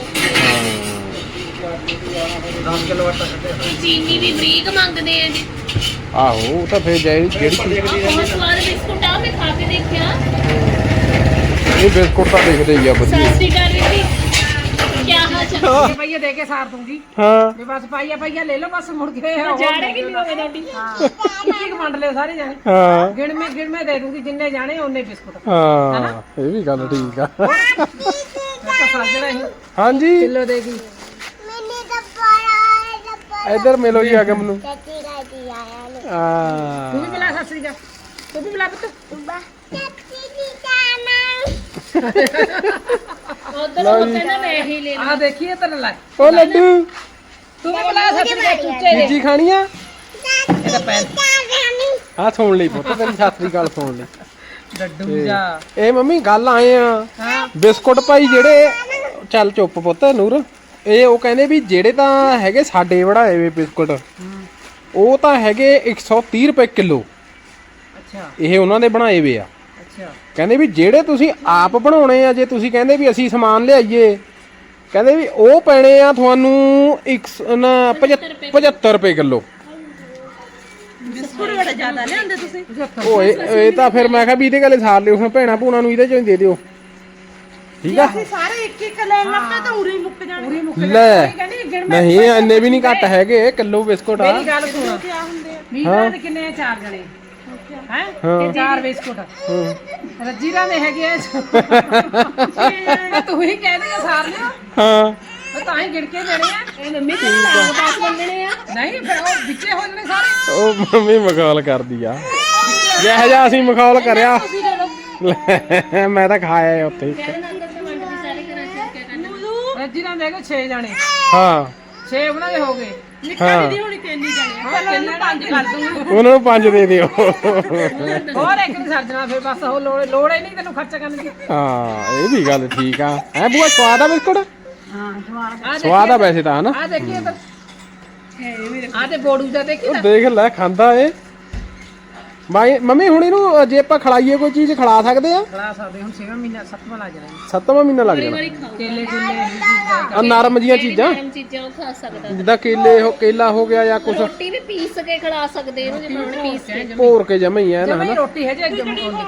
S6: ਦਸ ਕਿਲੋ ਆਟਾ ਕੱਢਿਆ
S5: ਚੀਨੀ ਵੀ ਬਰੀਕ ਮੰਗਦੇ ਆ ਜੀ
S3: ਆਹੋ ਉਹ ਤਾਂ ਫਿਰ ਜਿਹੜੀ ਜਿਹੜੀ ਚੀਜ਼
S5: ਆਹ ਬਹੁਤ ਸਵਾਦ ਬਿਸਕੁਟ ਆ ਮੈਂ ਖਾ ਕੇ ਦੇਖਿਆ
S3: ਇਹ ਬਿਸਕੁਟ ਤਾਂ ਦੇਖਦੇ ਹੀ ਆ ਵਧੀਆ
S5: ਸਤਿ ਸ਼੍ਰੀ ਅਕਾਲ ਵੀਰ ਜੀ ਕੀ ਹਾਲ ਚਾਲ
S2: ਪਈਆ ਦੇ ਕੇ ਸਾਰ ਦੂੰਗੀ
S3: ਹਾਂ
S2: ਵੀ ਬਸ ਪਾਈਆ ਪਾਈਆ ਲੈ ਲਓ ਬਸ ਮੁੜ ਕੇ
S5: ਜਾੜੇ ਕਿ ਨਹੀਂ ਹੋਵੇ ਤੁਹਾਡੀ
S2: ਹਾਂ ਇੱਕ ਇੱਕ ਵੰਡ ਲਿਓ ਸਾਰੇ ਜਾਣੇ
S3: ਹਾਂ
S2: ਗਿਣ ਮੈਂ ਗਿਣ ਮੈਂ ਦੇ ਦੂੰਗੀ ਜਿੰਨੇ ਜਾਣੇ ਉਹਨੇ ਬਿਸਕੁਟ
S3: ਹਾਂ ਇਹ ਵੀ ਗੱਲ ਠੀਕ ਆ
S2: ਮੈਂ ਤਾਂ ਸਾਜਣਾ ਹੀ
S3: ਹਾਂਜੀ
S2: ਕਿਲੋ ਦੇਗੀ
S3: ਇੱਧਰ ਮਿਲੋ ਜੀ ਆ ਕੇ ਮੈਨੂੰ
S2: ਤੂੰ
S3: ਆ
S2: ਵੀ ਮਿਲਾ ਸਤਿ ਸ੍ਰੀ ਅਕਾਲ ਤੂੰ ਵੀ ਮਿਲਾ ਪੁੱਤ
S5: ਉਧਰ ਉਹ ਕਹਿੰਦਾ ਮੈਂ ਹੀ ਲੈ
S2: ਆ ਦੇਖੀਏ ਤਨ ਲੈ
S3: ਓ ਲੱਡੂ
S2: ਤੂੰ ਵੀ ਮਿਲਾ ਸਤਿ ਸ੍ਰੀ ਅਕਾਲ ਚੂਚੇ ਦੇ
S3: ਬੀਜੀ ਖਾਣੀ ਆ
S2: ਇਹਦਾ ਪੈਰ
S3: ਆ ਸੁਣ ਲਈ ਪੁੱਤ ਤੇਰੀ ਸਤਿ ਸ੍ਰੀ ਅਕਾਲ ਸੁਣ ਲਈ
S2: ਡੱਡੂ ਜਾ
S3: ਇਹ ਮੰਮੀ ਗੱਲ ਆਏ ਆ
S2: ਹਾਂ
S3: ਬਿਸਕੁਟ ਭਾਈ ਜਿਹੜੇ ਚੱਲ ਚੁੱਪ ਪੁੱਤ ਨੂਰ ਇਹ ਉਹ ਕਹਿੰਦੇ ਵੀ ਜਿਹੜੇ ਤਾਂ ਹੈਗੇ ਸਾਡੇ ਬਣਾਏ ਵੇ ਬਿਸਕੁਟ ਉਹ ਤਾਂ ਹੈਗੇ ਇੱਕ ਸੌ ਤੀਹ ਰੁਪਏ ਕਿਲੋ
S2: ਅੱਛਾ
S3: ਇਹ ਉਹਨਾਂ ਦੇ ਬਣਾਏ ਵੇ ਆ
S2: ਅੱਛਾ
S3: ਕਹਿੰਦੇ ਵੀ ਜਿਹੜੇ ਤੁਸੀਂ ਆਪ ਬਣਾਉਣੇ ਆ ਜੇ ਤੁਸੀਂ ਕਹਿੰਦੇ ਵੀ ਅਸੀਂ ਸਮਾਨ ਲਿਆਈਏ ਕਹਿੰਦੇ ਵੀ ਉਹ ਪੈਣੇ ਆ ਤੁਹਾਨੂੰ ਇੱਕ ਪਝੱਤਰ ਰੁਪਏ ਕਿਲੋ
S2: ਬਿਸਕੁਟ ਬੜਾ ਜ਼ਿਆਦਾ ਲਿਆਂਦੇ ਤੁਸੀਂ
S3: ਓਏ ਇਹ ਤਾਂ ਫਿਰ ਮੈਂ ਕਿਹਾ ਵੀ ਇਹਦੇ ਗਲੇ ਸਾਰ ਲਿਓ ਹੁਣ ਭੈਣਾ ਭੂਣਾ ਨੂੰ ਇਹਦੇ ਚੋਂ ਹੀ ਦੇ ਦਿਓ ਠੀਕ ਆ
S2: ਸਾਰੇ ਇੱਕ ਇੱਕ ਲੈਣ ਲੱਗੇ ਤਾਂ ਉਰੀ ਮੁੱਕ ਜਾਣੇ ਉਰੀ ਮੁੱਕ
S3: ਲੈ ਨਹੀਂ ਇੰਨੇ ਵੀ ਨਹੀਂ ਘੱਟ ਹੈਗੇ ਕਿਲੋ ਬਿਸਕੁਟ ਆ
S2: ਮੇਰੀ ਗੱਲ ਸੁਣ ਕੀ ਹੁੰਦੇ ਆ ਵੀਹ ਗ੍ਰਾਮ ਦੇ ਕਿੰਨੇ ਆ ਚਾਰ ਜਣੇ ਹੈ ਇਹ ਚਾਰ ਬਿਸਕੁਟ ਰੱਜੀਰਾ ਦੇ ਹੈਗੇ ਆ ਤੂੰ ਹੀ ਕਹਿ ਦੇ ਸਾਰ ਲਿਓ
S3: ਹਾਂ
S2: ਉਹ ਤਾਂ ਹੀ ਗਿਣ ਕੇ ਦੇਣੇ ਆ
S5: ਇਹ ਮੰਮੀ ਤੇ ਦਸ ਬੰਦਣੇ ਆ
S2: ਨਹੀਂ ਫਿਰ ਉਹ ਵਿੱਚੇ ਹੋ ਜਾਣੇ ਸਾਰੇ
S3: ਉਹ ਮੰਮੀ ਮਖੌਲ ਕਰਦੀ ਆ ਜਿਹੋ ਜਿਹਾ ਅਸੀਂ ਮਖੌਲ ਕਰਿਆ ਲੈ, ਮੈਂ ਤਾਂ ਖਾਇਆ ਉੱਥੇ ਹੀ।
S5: ਕਹਿੰਦੇ ਅੰਦਰ ਤੇ ਵੰਡ ਦੀ ਸਾਰੇ ਘਰਾਂ ਚ ਕਿਆ ਕਰਨਾ
S2: ਰੱਜੀਰਾ ਦੇ ਹੈਗੇ ਛੇ ਜਣੇ
S3: ਹਾਂ
S2: ਛੇ ਉਹਨਾਂ ਦੇ ਹੋ ਗਏ
S3: ਹਾਂ
S2: ਹੋਣੀ ਤਿੰਨ ਹੀ ਜਣੇ ਹਾਂ ਤਿੰਨ ਪੰਜ ਕਰ ਦੂੰਗੀ
S3: ਉਹਨਾਂ ਨੂੰ ਪੰਜ ਦੇ ਦਿਓ
S2: ਹੋਰ ਇੱਕ ਨਹੀਂ ਸਰਜਣਾ ਫਿਰ ਬਸ ਉਹ ਲੋੜ ਲੋੜ ਹੀ ਨਹੀਂ ਤੈਨੂੰ ਖਰਚਾ ਕਰਨ ਦੀ
S3: ਹਾਂ ਇਹ ਵੀ ਗੱਲ ਠੀਕ ਆ ਹੈ ਬੂਆ ਸਵਾਦ ਆ ਬਿਸਕੁਟ
S2: ਹਾਂ ਸਵਾਦ
S3: ਸਵਾਦ ਆ ਵੈਸੇ ਤਾਂ ਹਨਾ
S2: ਆ ਦੇਖੀਏ ਤਾਂ ਆ ਤੇ ਬੋੜੂ ਦਾ ਦੇਖੀ
S3: ਉਹ ਦੇਖ ਲੈ ਖਾਂਦਾ ਏ ਮਾਈ ਮੰਮੀ ਹੁਣ ਇਹਨੂੰ ਜੇ ਆਪਾਂ ਖਿਲਾਈਏ ਕੋਈ ਚੀਜ਼ ਖਿਲਾ ਸਕਦੇ ਆ
S2: ਖਲਾ ਸਕਦੇ ਹੁਣ ਛੇਵਾਂ ਮਹੀਨਾ ਸੱਤਵਾਂ ਲੱਗ ਜਾਣਾ
S3: ਸੱਤਵਾਂ ਮਹੀਨਾ ਲੱਗ ਜਾਣਾ
S2: ਕੇਲੇ ਕੁਲੇ
S3: ਆ ਨਰਮ ਜੀਆਂ ਚੀਜ਼ਾਂ
S5: ਗਰਮ ਚੀਜ਼ਾਂ ਉਹ ਖਾ ਸਕਦਾ
S3: ਜਿੱਦਾਂ ਕੇਲੇ ਹੋ ਕੇਲਾ ਹੋ ਗਿਆ ਜਾਂ ਕੁਛ
S5: ਰੋਟੀ ਵੀ ਪੀਸ ਕੇ ਖਿਲਾ ਸਕਦੇ ਇਹਨੂੰ ਜੇ ਪਾਉਣ ਪੀਸ ਕੇ
S3: ਭੋਰ ਕੇ ਜਮਾ ਹੀ ਆ ਨਾ
S2: ਜਮੀ
S3: ਹਨਾ
S2: ਰੋਟੀ ਹੈ ਜੇ ਜਮ ਕੋਲ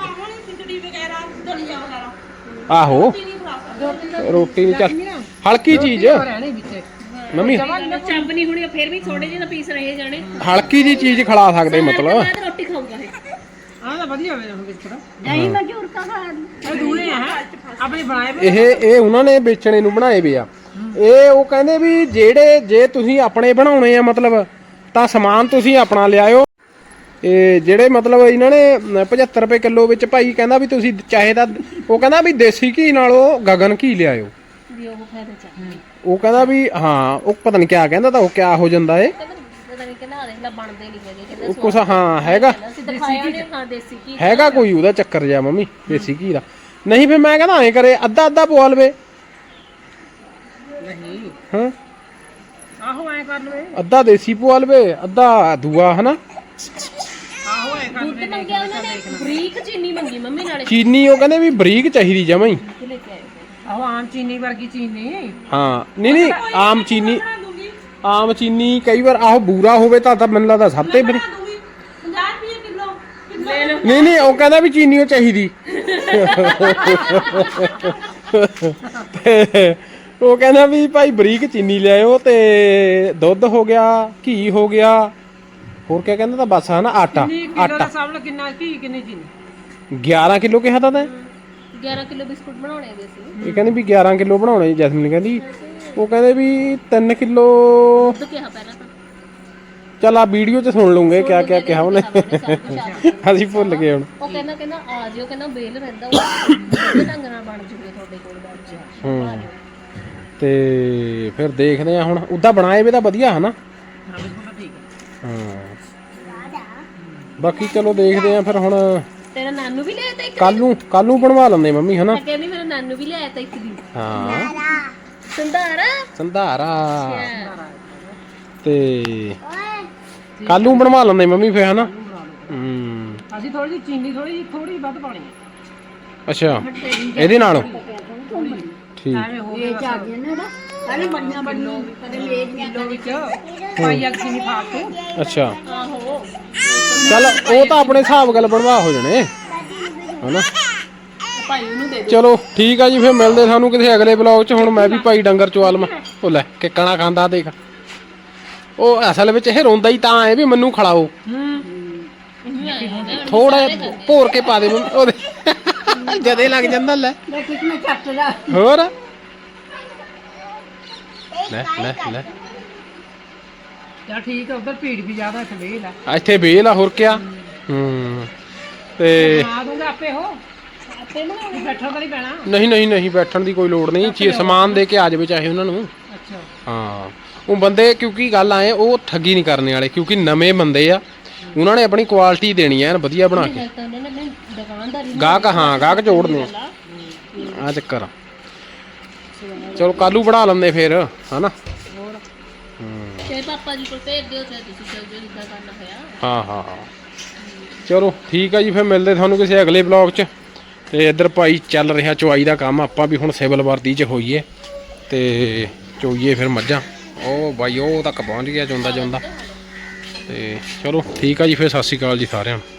S3: ਆਹੋ ਰੋਟੀ ਨਹੀਂ ਚੱਲ ਹਲਕੀ ਚੀਜ਼
S2: ਰਹਿਣੀ ਵਿੱਚ
S3: ਮੰਮੀ
S5: ਚੱਬ ਨਹੀਂ ਹੋਣੀ ਫਿਰ ਵੀ ਥੋੜੇ ਜਿਹੇ ਪੀਸ ਰਹੇ ਜਾਣੇ
S3: ਹਲਕੀ ਜੀ ਚੀਜ਼ ਖਿਲਾ ਸਕਦੇ ਮਤਲਬ
S5: ਬਾਅਦ ਰੋਟੀ ਖਾਊਗਾ ਇਹ
S2: ਆਹ ਤਾਂ ਵਧੀਆ ਹੋਵੇ ਹੁਣ ਬਿਸਕੁਟ
S5: ਨਹੀਂ ਮੈਂ ਝੂਰ ਕਾ ਖਾ
S2: ਇਹ ਦੂਰੇ ਆ ਆਪਣੇ ਬਣਾਏ
S3: ਇਹ ਇਹ ਉਹਨਾਂ ਨੇ ਵੇਚਣੇ ਨੂੰ ਬਣਾਏ ਵੇ ਆ ਇਹ ਉਹ ਕਹਿੰਦੇ ਵੀ ਜਿਹੜੇ ਜੇ ਤੁਸੀਂ ਆਪਣੇ ਬਣਾਉਣੇ ਆ ਮਤਲਬ ਤਾਂ ਸਮਾਨ ਤੁਸੀਂ ਆਪਣਾ ਲਿਆਇਓ ਇਹ ਜਿਹੜੇ ਮਤਲਬ ਇਹਨਾਂ ਨੇ ਪਝੱਤਰ ਰੁਪਏ ਕਿਲੋ ਵਿੱਚ ਭਾਈ ਕਹਿੰਦਾ ਵੀ ਤੁਸੀਂ ਚਾਹੇ ਤਾਂ ਉਹ ਕਹਿੰਦਾ ਵੀ ਦੇਸੀ ਘੀ ਨਾਲੋਂ ਗਗਨ ਘੀ ਲਿਆਇਓ
S5: ਵੀ ਉਹ ਫਾਇਦਾ ਚੱਕ
S3: ਉਹ ਕਹਿੰਦਾ ਵੀ ਹਾਂ ਉਹ ਪਤਾ ਨਹੀਂ ਕਿਆ ਕਹਿੰਦਾ ਤਾਂ ਉਹ ਕਿਆ ਹੋ ਜਾਂਦਾ ਏ
S5: ਪਤਾ ਨਹੀਂ ਕਿਹਨਾਂ ਦੇਖ ਲੈ ਬਣਦੇ ਨਹੀਂ ਹੈਗੇ
S3: ਉਹ ਕੁਛ ਹਾਂ ਹੈਗਾ
S5: ਅਸੀਂ ਦਿਖਾਇਆ ਨੇ ਹਾਂ ਦੇਸੀ ਕੀ
S3: ਹੈਗਾ ਕੋਈ ਉਹਦਾ ਚੱਕਰ ਜਿਹਾ ਮੰਮੀ ਦੇਸੀ ਘੀ ਦਾ ਨਹੀਂ ਫਿਰ ਮੈਂ ਕਹਿੰਦਾ ਐਂ ਕਰੇ ਅੱਧਾ ਅੱਧਾ ਪਵਾ ਲਵੇ
S2: ਨਹੀਂ
S3: ਹਾਂ
S2: ਆਹੋ ਐ ਕਰ ਲਵੇ
S3: ਅੱਧਾ ਦੇਸੀ ਪਵਾ ਲਵੇ ਅੱਧਾ ਦੂਆ ਹਨਾ
S2: ਆਹੋ ਐ ਕਰ
S5: ਦੁੱਧ ਮੰਗਿਆ ਉਹਨਾਂ ਨੇ ਬਰੀਕ ਚੀਨੀ ਮੰਗੀ ਮੰਮੀ ਨਾਲੇ
S3: ਚੀਨੀ ਉਹ ਕਹਿੰਦੇ ਵੀ ਬਰੀਕ ਚਾਹੀਦੀ ਜਮਾਂ ਹੀ
S5: ਲੈ ਕੇ ਆਏ
S2: ਆਹੋ ਆਮ ਚੀਨੀ ਵਰਗੀ ਚੀਨੀ
S3: ਹਾਂ ਨਹੀਂ ਨਹੀਂ ਆਮ ਚੀਨੀ ਆਮ ਚੀਨੀ ਕਈ ਵਾਰ ਆਹ ਬੂਰਾ ਹੋਵੇ ਤਾਂ ਤਾਂ ਮੈਨੂੰ ਲੱਗਦਾ ਸਭ ਤੇ ਬਰੀ ਨਹੀਂ ਨਹੀਂ ਉਹ ਕਹਿੰਦਾ ਵੀ ਚੀਨੀ ਉਹ ਚਾਹੀਦੀ ਤੇ ਉਹ ਕਹਿੰਦਾ ਵੀ ਭਾਈ ਬਰੀਕ ਚੀਨੀ ਲਿਆਇਓ ਤੇ ਦੁੱਧ ਹੋ ਗਿਆ ਘੀ ਹੋ ਗਿਆ ਹੋਰ ਕਿਆ ਕਹਿੰਦਾ ਤਾਂ ਬਸ ਹਨਾ ਆਟਾ ਆਟਾ
S2: ਸਭ ਨੂੰ ਕਿੰਨਾ ਕੀ ਕਿੰਨੀ ਚੀਨੀ
S3: ਗਿਆਰਾਂ ਕਿਲੋ ਕਿਹਾ ਤਾਂ ਤੈਂ
S5: ਗਿਆਰਾਂ ਕਿਲੋ ਬਿਸਕੁਟ ਬਣਾਉਣੇ ਦੇ ਸੀ
S3: ਇਹ ਕਹਿੰਦੀ ਵੀ ਗਿਆਰਾਂ ਕਿਲੋ ਬਣਾਉਣੇ ਜੈਸਮੀਨ ਕਹਿੰਦੀ ਉਹ ਕਹਿੰਦੇ ਵੀ ਤਿੰਨ ਕਿਲੋ
S5: ਦੁੱਧ ਕਿਹਾ ਪਹਿਲਾਂ ਤਾਂ
S3: ਚੱਲ ਆ ਵੀਡੀਓ 'ਚ ਸੁਣ ਲੂੰਗੇ ਕਿਆ ਕਿਆ ਕਿਹਾ ਉਹਨੇ ਅਸੀਂ ਭੁੱਲ ਗਏ ਹੁਣ
S5: ਉਹ ਕਹਿੰਦਾ ਕਹਿੰਦਾ ਆ ਜਿਓ ਕਹਿੰਦਾ ਬੇਲ ਰਹਿੰਦਾ ਉਹ ਢੰਗ ਨਾਲ ਬਣ ਜੂਗੇ ਤੁਹਾਡੇ ਕੋਲ ਬੈਠ ਜਾ
S3: ਹੂੰ ਤੇ ਫਿਰ ਦੇਖਦੇ ਆ ਹੁਣ ਉਦਾਂ ਬਣਾਏ ਵੀ ਤਾਂ ਵਧੀਆ ਹਨਾ ਹਾਂ ਬਾਕੀ ਚਲੋ ਦੇਖਦੇ ਆ ਫਿਰ ਹੁਣ
S5: ਤੇਰਾ ਨਾਨੂ ਵੀ ਲਿਆਇਆ ਤਾਂ ਇੱਕ
S3: ਕੱਲ ਨੂੰ ਕੱਲ ਨੂੰ ਬਣਵਾ ਲੈਂਦੇ ਮੰਮੀ ਹਨਾ
S5: ਮੈਂ ਕਹਿੰਦੀ ਮੇਰਾ ਨਾਨੂ ਵੀ ਲਿਆਇਆ ਤਾਂ ਇੱਕ ਦਿਨ
S3: ਹਾਂ
S5: ਸੰਧਾਰਾ
S3: ਸੰਧਾਰਾ ਤੇ ਕੱਲ ਨੂੰ ਬਣਵਾ ਲੈਂਦੇ ਮੰਮੀ ਫੇ ਹਨਾ ਹੂੰ
S2: ਅਸੀਂ ਥੋੜੀ ਜਿਹੀ ਚੀਨੀ ਥੋੜੀ ਜਿਹੀ ਥੋੜੀ ਵੱਧ ਪਾਣੀ
S3: ਅੱਛਾ ਇਹਦੇ ਨਾਲ ਠੀਕ
S2: ਐਵੇਂ ਹੋ ਗਿਆ ਚਾਰ ਜਣੇ ਨਾ ਅਰੇ ਬੜੀਆਂ ਬੜੀਆਂ ਕਦੇ ਮੇਜ ਕਿਲੋ ਵਿੱਚ ਪਾਈ ਅੱਗ ਚੀਨੀ ਪਾ ਕੇ
S3: ਅੱਛਾ
S5: ਆਹੋ
S3: ਚੱਲ ਉਹ ਤਾਂ ਆਪਣੇ ਹਿਸਾਬ ਗੱਲ ਬਣਵਾ ਹੋ ਜਾਣੇ ਹਨਾ
S5: ਭਾਈ ਉਹਨੂੰ ਦੇ
S3: ਚਲੋ ਠੀਕ ਆ ਜੀ ਫਿਰ ਮਿਲਦੇ ਸਾਨੂੰ ਕਿਸੇ ਅਗਲੇ ਬਲੌਗ 'ਚ ਹੁਣ ਮੈਂ ਵੀ ਭਾਈ ਡੰਗਰ ਚਵਾਲ ਮੈਂ ਉਹ ਲੈ ਕਿੱਕਣਾ ਖਾਂਦਾ ਦੇਖ ਉਹ ਅਸਲ ਵਿੱਚ ਇਹ ਰੋਂਦਾ ਹੀ ਤਾਂ ਹੈ ਵੀ ਮੈਨੂੰ ਖਿਲਾਓ ਥੋੜਾ ਭੋਰ ਕੇ ਪਾ ਦੇ ਉਹਦੇ ਜਦੇ ਲੱਗ ਜਾਂਦਾ ਲੈ
S2: ਮੈਂ ਕਿਸ ਮੈਂ ਚੱਟਦਾ
S3: ਹੋਰ ਲੈ ਲੈ ਲੈ
S2: ਚਲ ਠੀਕ ਆ ਉਧਰ ਭੀੜ ਵੀ ਜ਼ਿਆਦਾ ਇੱਥੇ ਵੇਲ ਆ
S3: ਇੱਥੇ ਵੇਲ ਆ ਹੋਰ ਕਿਆ ਹੂੰ ਤੇ
S2: ਆ ਦੂੰਗਾ ਆਪੇ ਹੋ ਆਪੇ ਬਣਾਉਣੀ ਬੈਠਾ ਤਾਂ ਨਹੀਂ ਪੈਣਾ
S3: ਨਹੀਂ ਨਹੀਂ ਨਹੀਂ ਬੈਠਣ ਦੀ ਕੋਈ ਲੋੜ ਨਹੀਂ ਚੀ ਸਮਾਨ ਦੇ ਕੇ ਆ ਜਾਵੇ ਚਾਹੇ ਉਹਨਾਂ ਨੂੰ
S2: ਅੱਛਾ
S3: ਹਾਂ ਉਹ ਬੰਦੇ ਕਿਉਂਕਿ ਗੱਲ ਆਏ ਉਹ ਠੱਗੀ ਨਹੀਂ ਕਰਨੇ ਵਾਲੇ ਕਿਉਂਕਿ ਨਵੇਂ ਬੰਦੇ ਆ ਉਹਨਾਂ ਨੇ ਆਪਣੀ ਕੁਆਲਿਟੀ ਦੇਣੀ ਐ ਵਧੀਆ ਬਣਾ ਕੇ
S5: ਤਾਂ ਉਹਨਾਂ ਨੇ ਆਪਣੀ ਦੁਕਾਨਦਾਰੀ
S3: ਗਾਹਕ ਹਾਂ ਗਾਹਕ ਜੋੜਨੇ ਆ ਚੱਕਰ ਚਲੋ ਕਾਲੂ ਬਣਾ ਲੈਂਦੇ ਫੇਰ ਹਨਾ
S5: ਤੇ ਪਾਪਾ ਜੀ ਕੋਲ ਭੇਜ ਦਿਓ ਤੇ ਤੁਸੀਂ ਚੱਲ ਜਿਓ ਜਿੱਦਾਂ ਕਰਨਾ ਹੋਇਆ
S3: ਹਾਂ ਹਾਂ ਹਾਂ ਚਲੋ ਠੀਕ ਆ ਜੀ ਫਿਰ ਮਿਲਦੇ ਤੁਹਾਨੂੰ ਕਿਸੇ ਅਗਲੇ ਬਲੌਗ 'ਚ ਤੇ ਇੱਧਰ ਭਾਈ ਚੱਲ ਰਿਹਾ ਚੁਆਈ ਦਾ ਕੰਮ ਆਪਾਂ ਵੀ ਹੁਣ ਸਿਵਲ ਵਰਦੀ 'ਚ ਹੋਈਏ ਤੇ ਚੋਈਏ ਫਿਰ ਮੱਝਾਂ ਉਹ ਬਾਈ ਉਹ ਤੱਕ ਪਹੁੰਚ ਗਿਆ ਜਾਂਦਾ ਜਾਂਦਾ ਤੇ ਚਲੋ ਠੀਕ ਆ ਜੀ ਫਿਰ ਸਤਿ ਸ਼੍ਰੀ ਅਕਾਲ ਜੀ ਸਾਰਿਆਂ ਨੂੰ।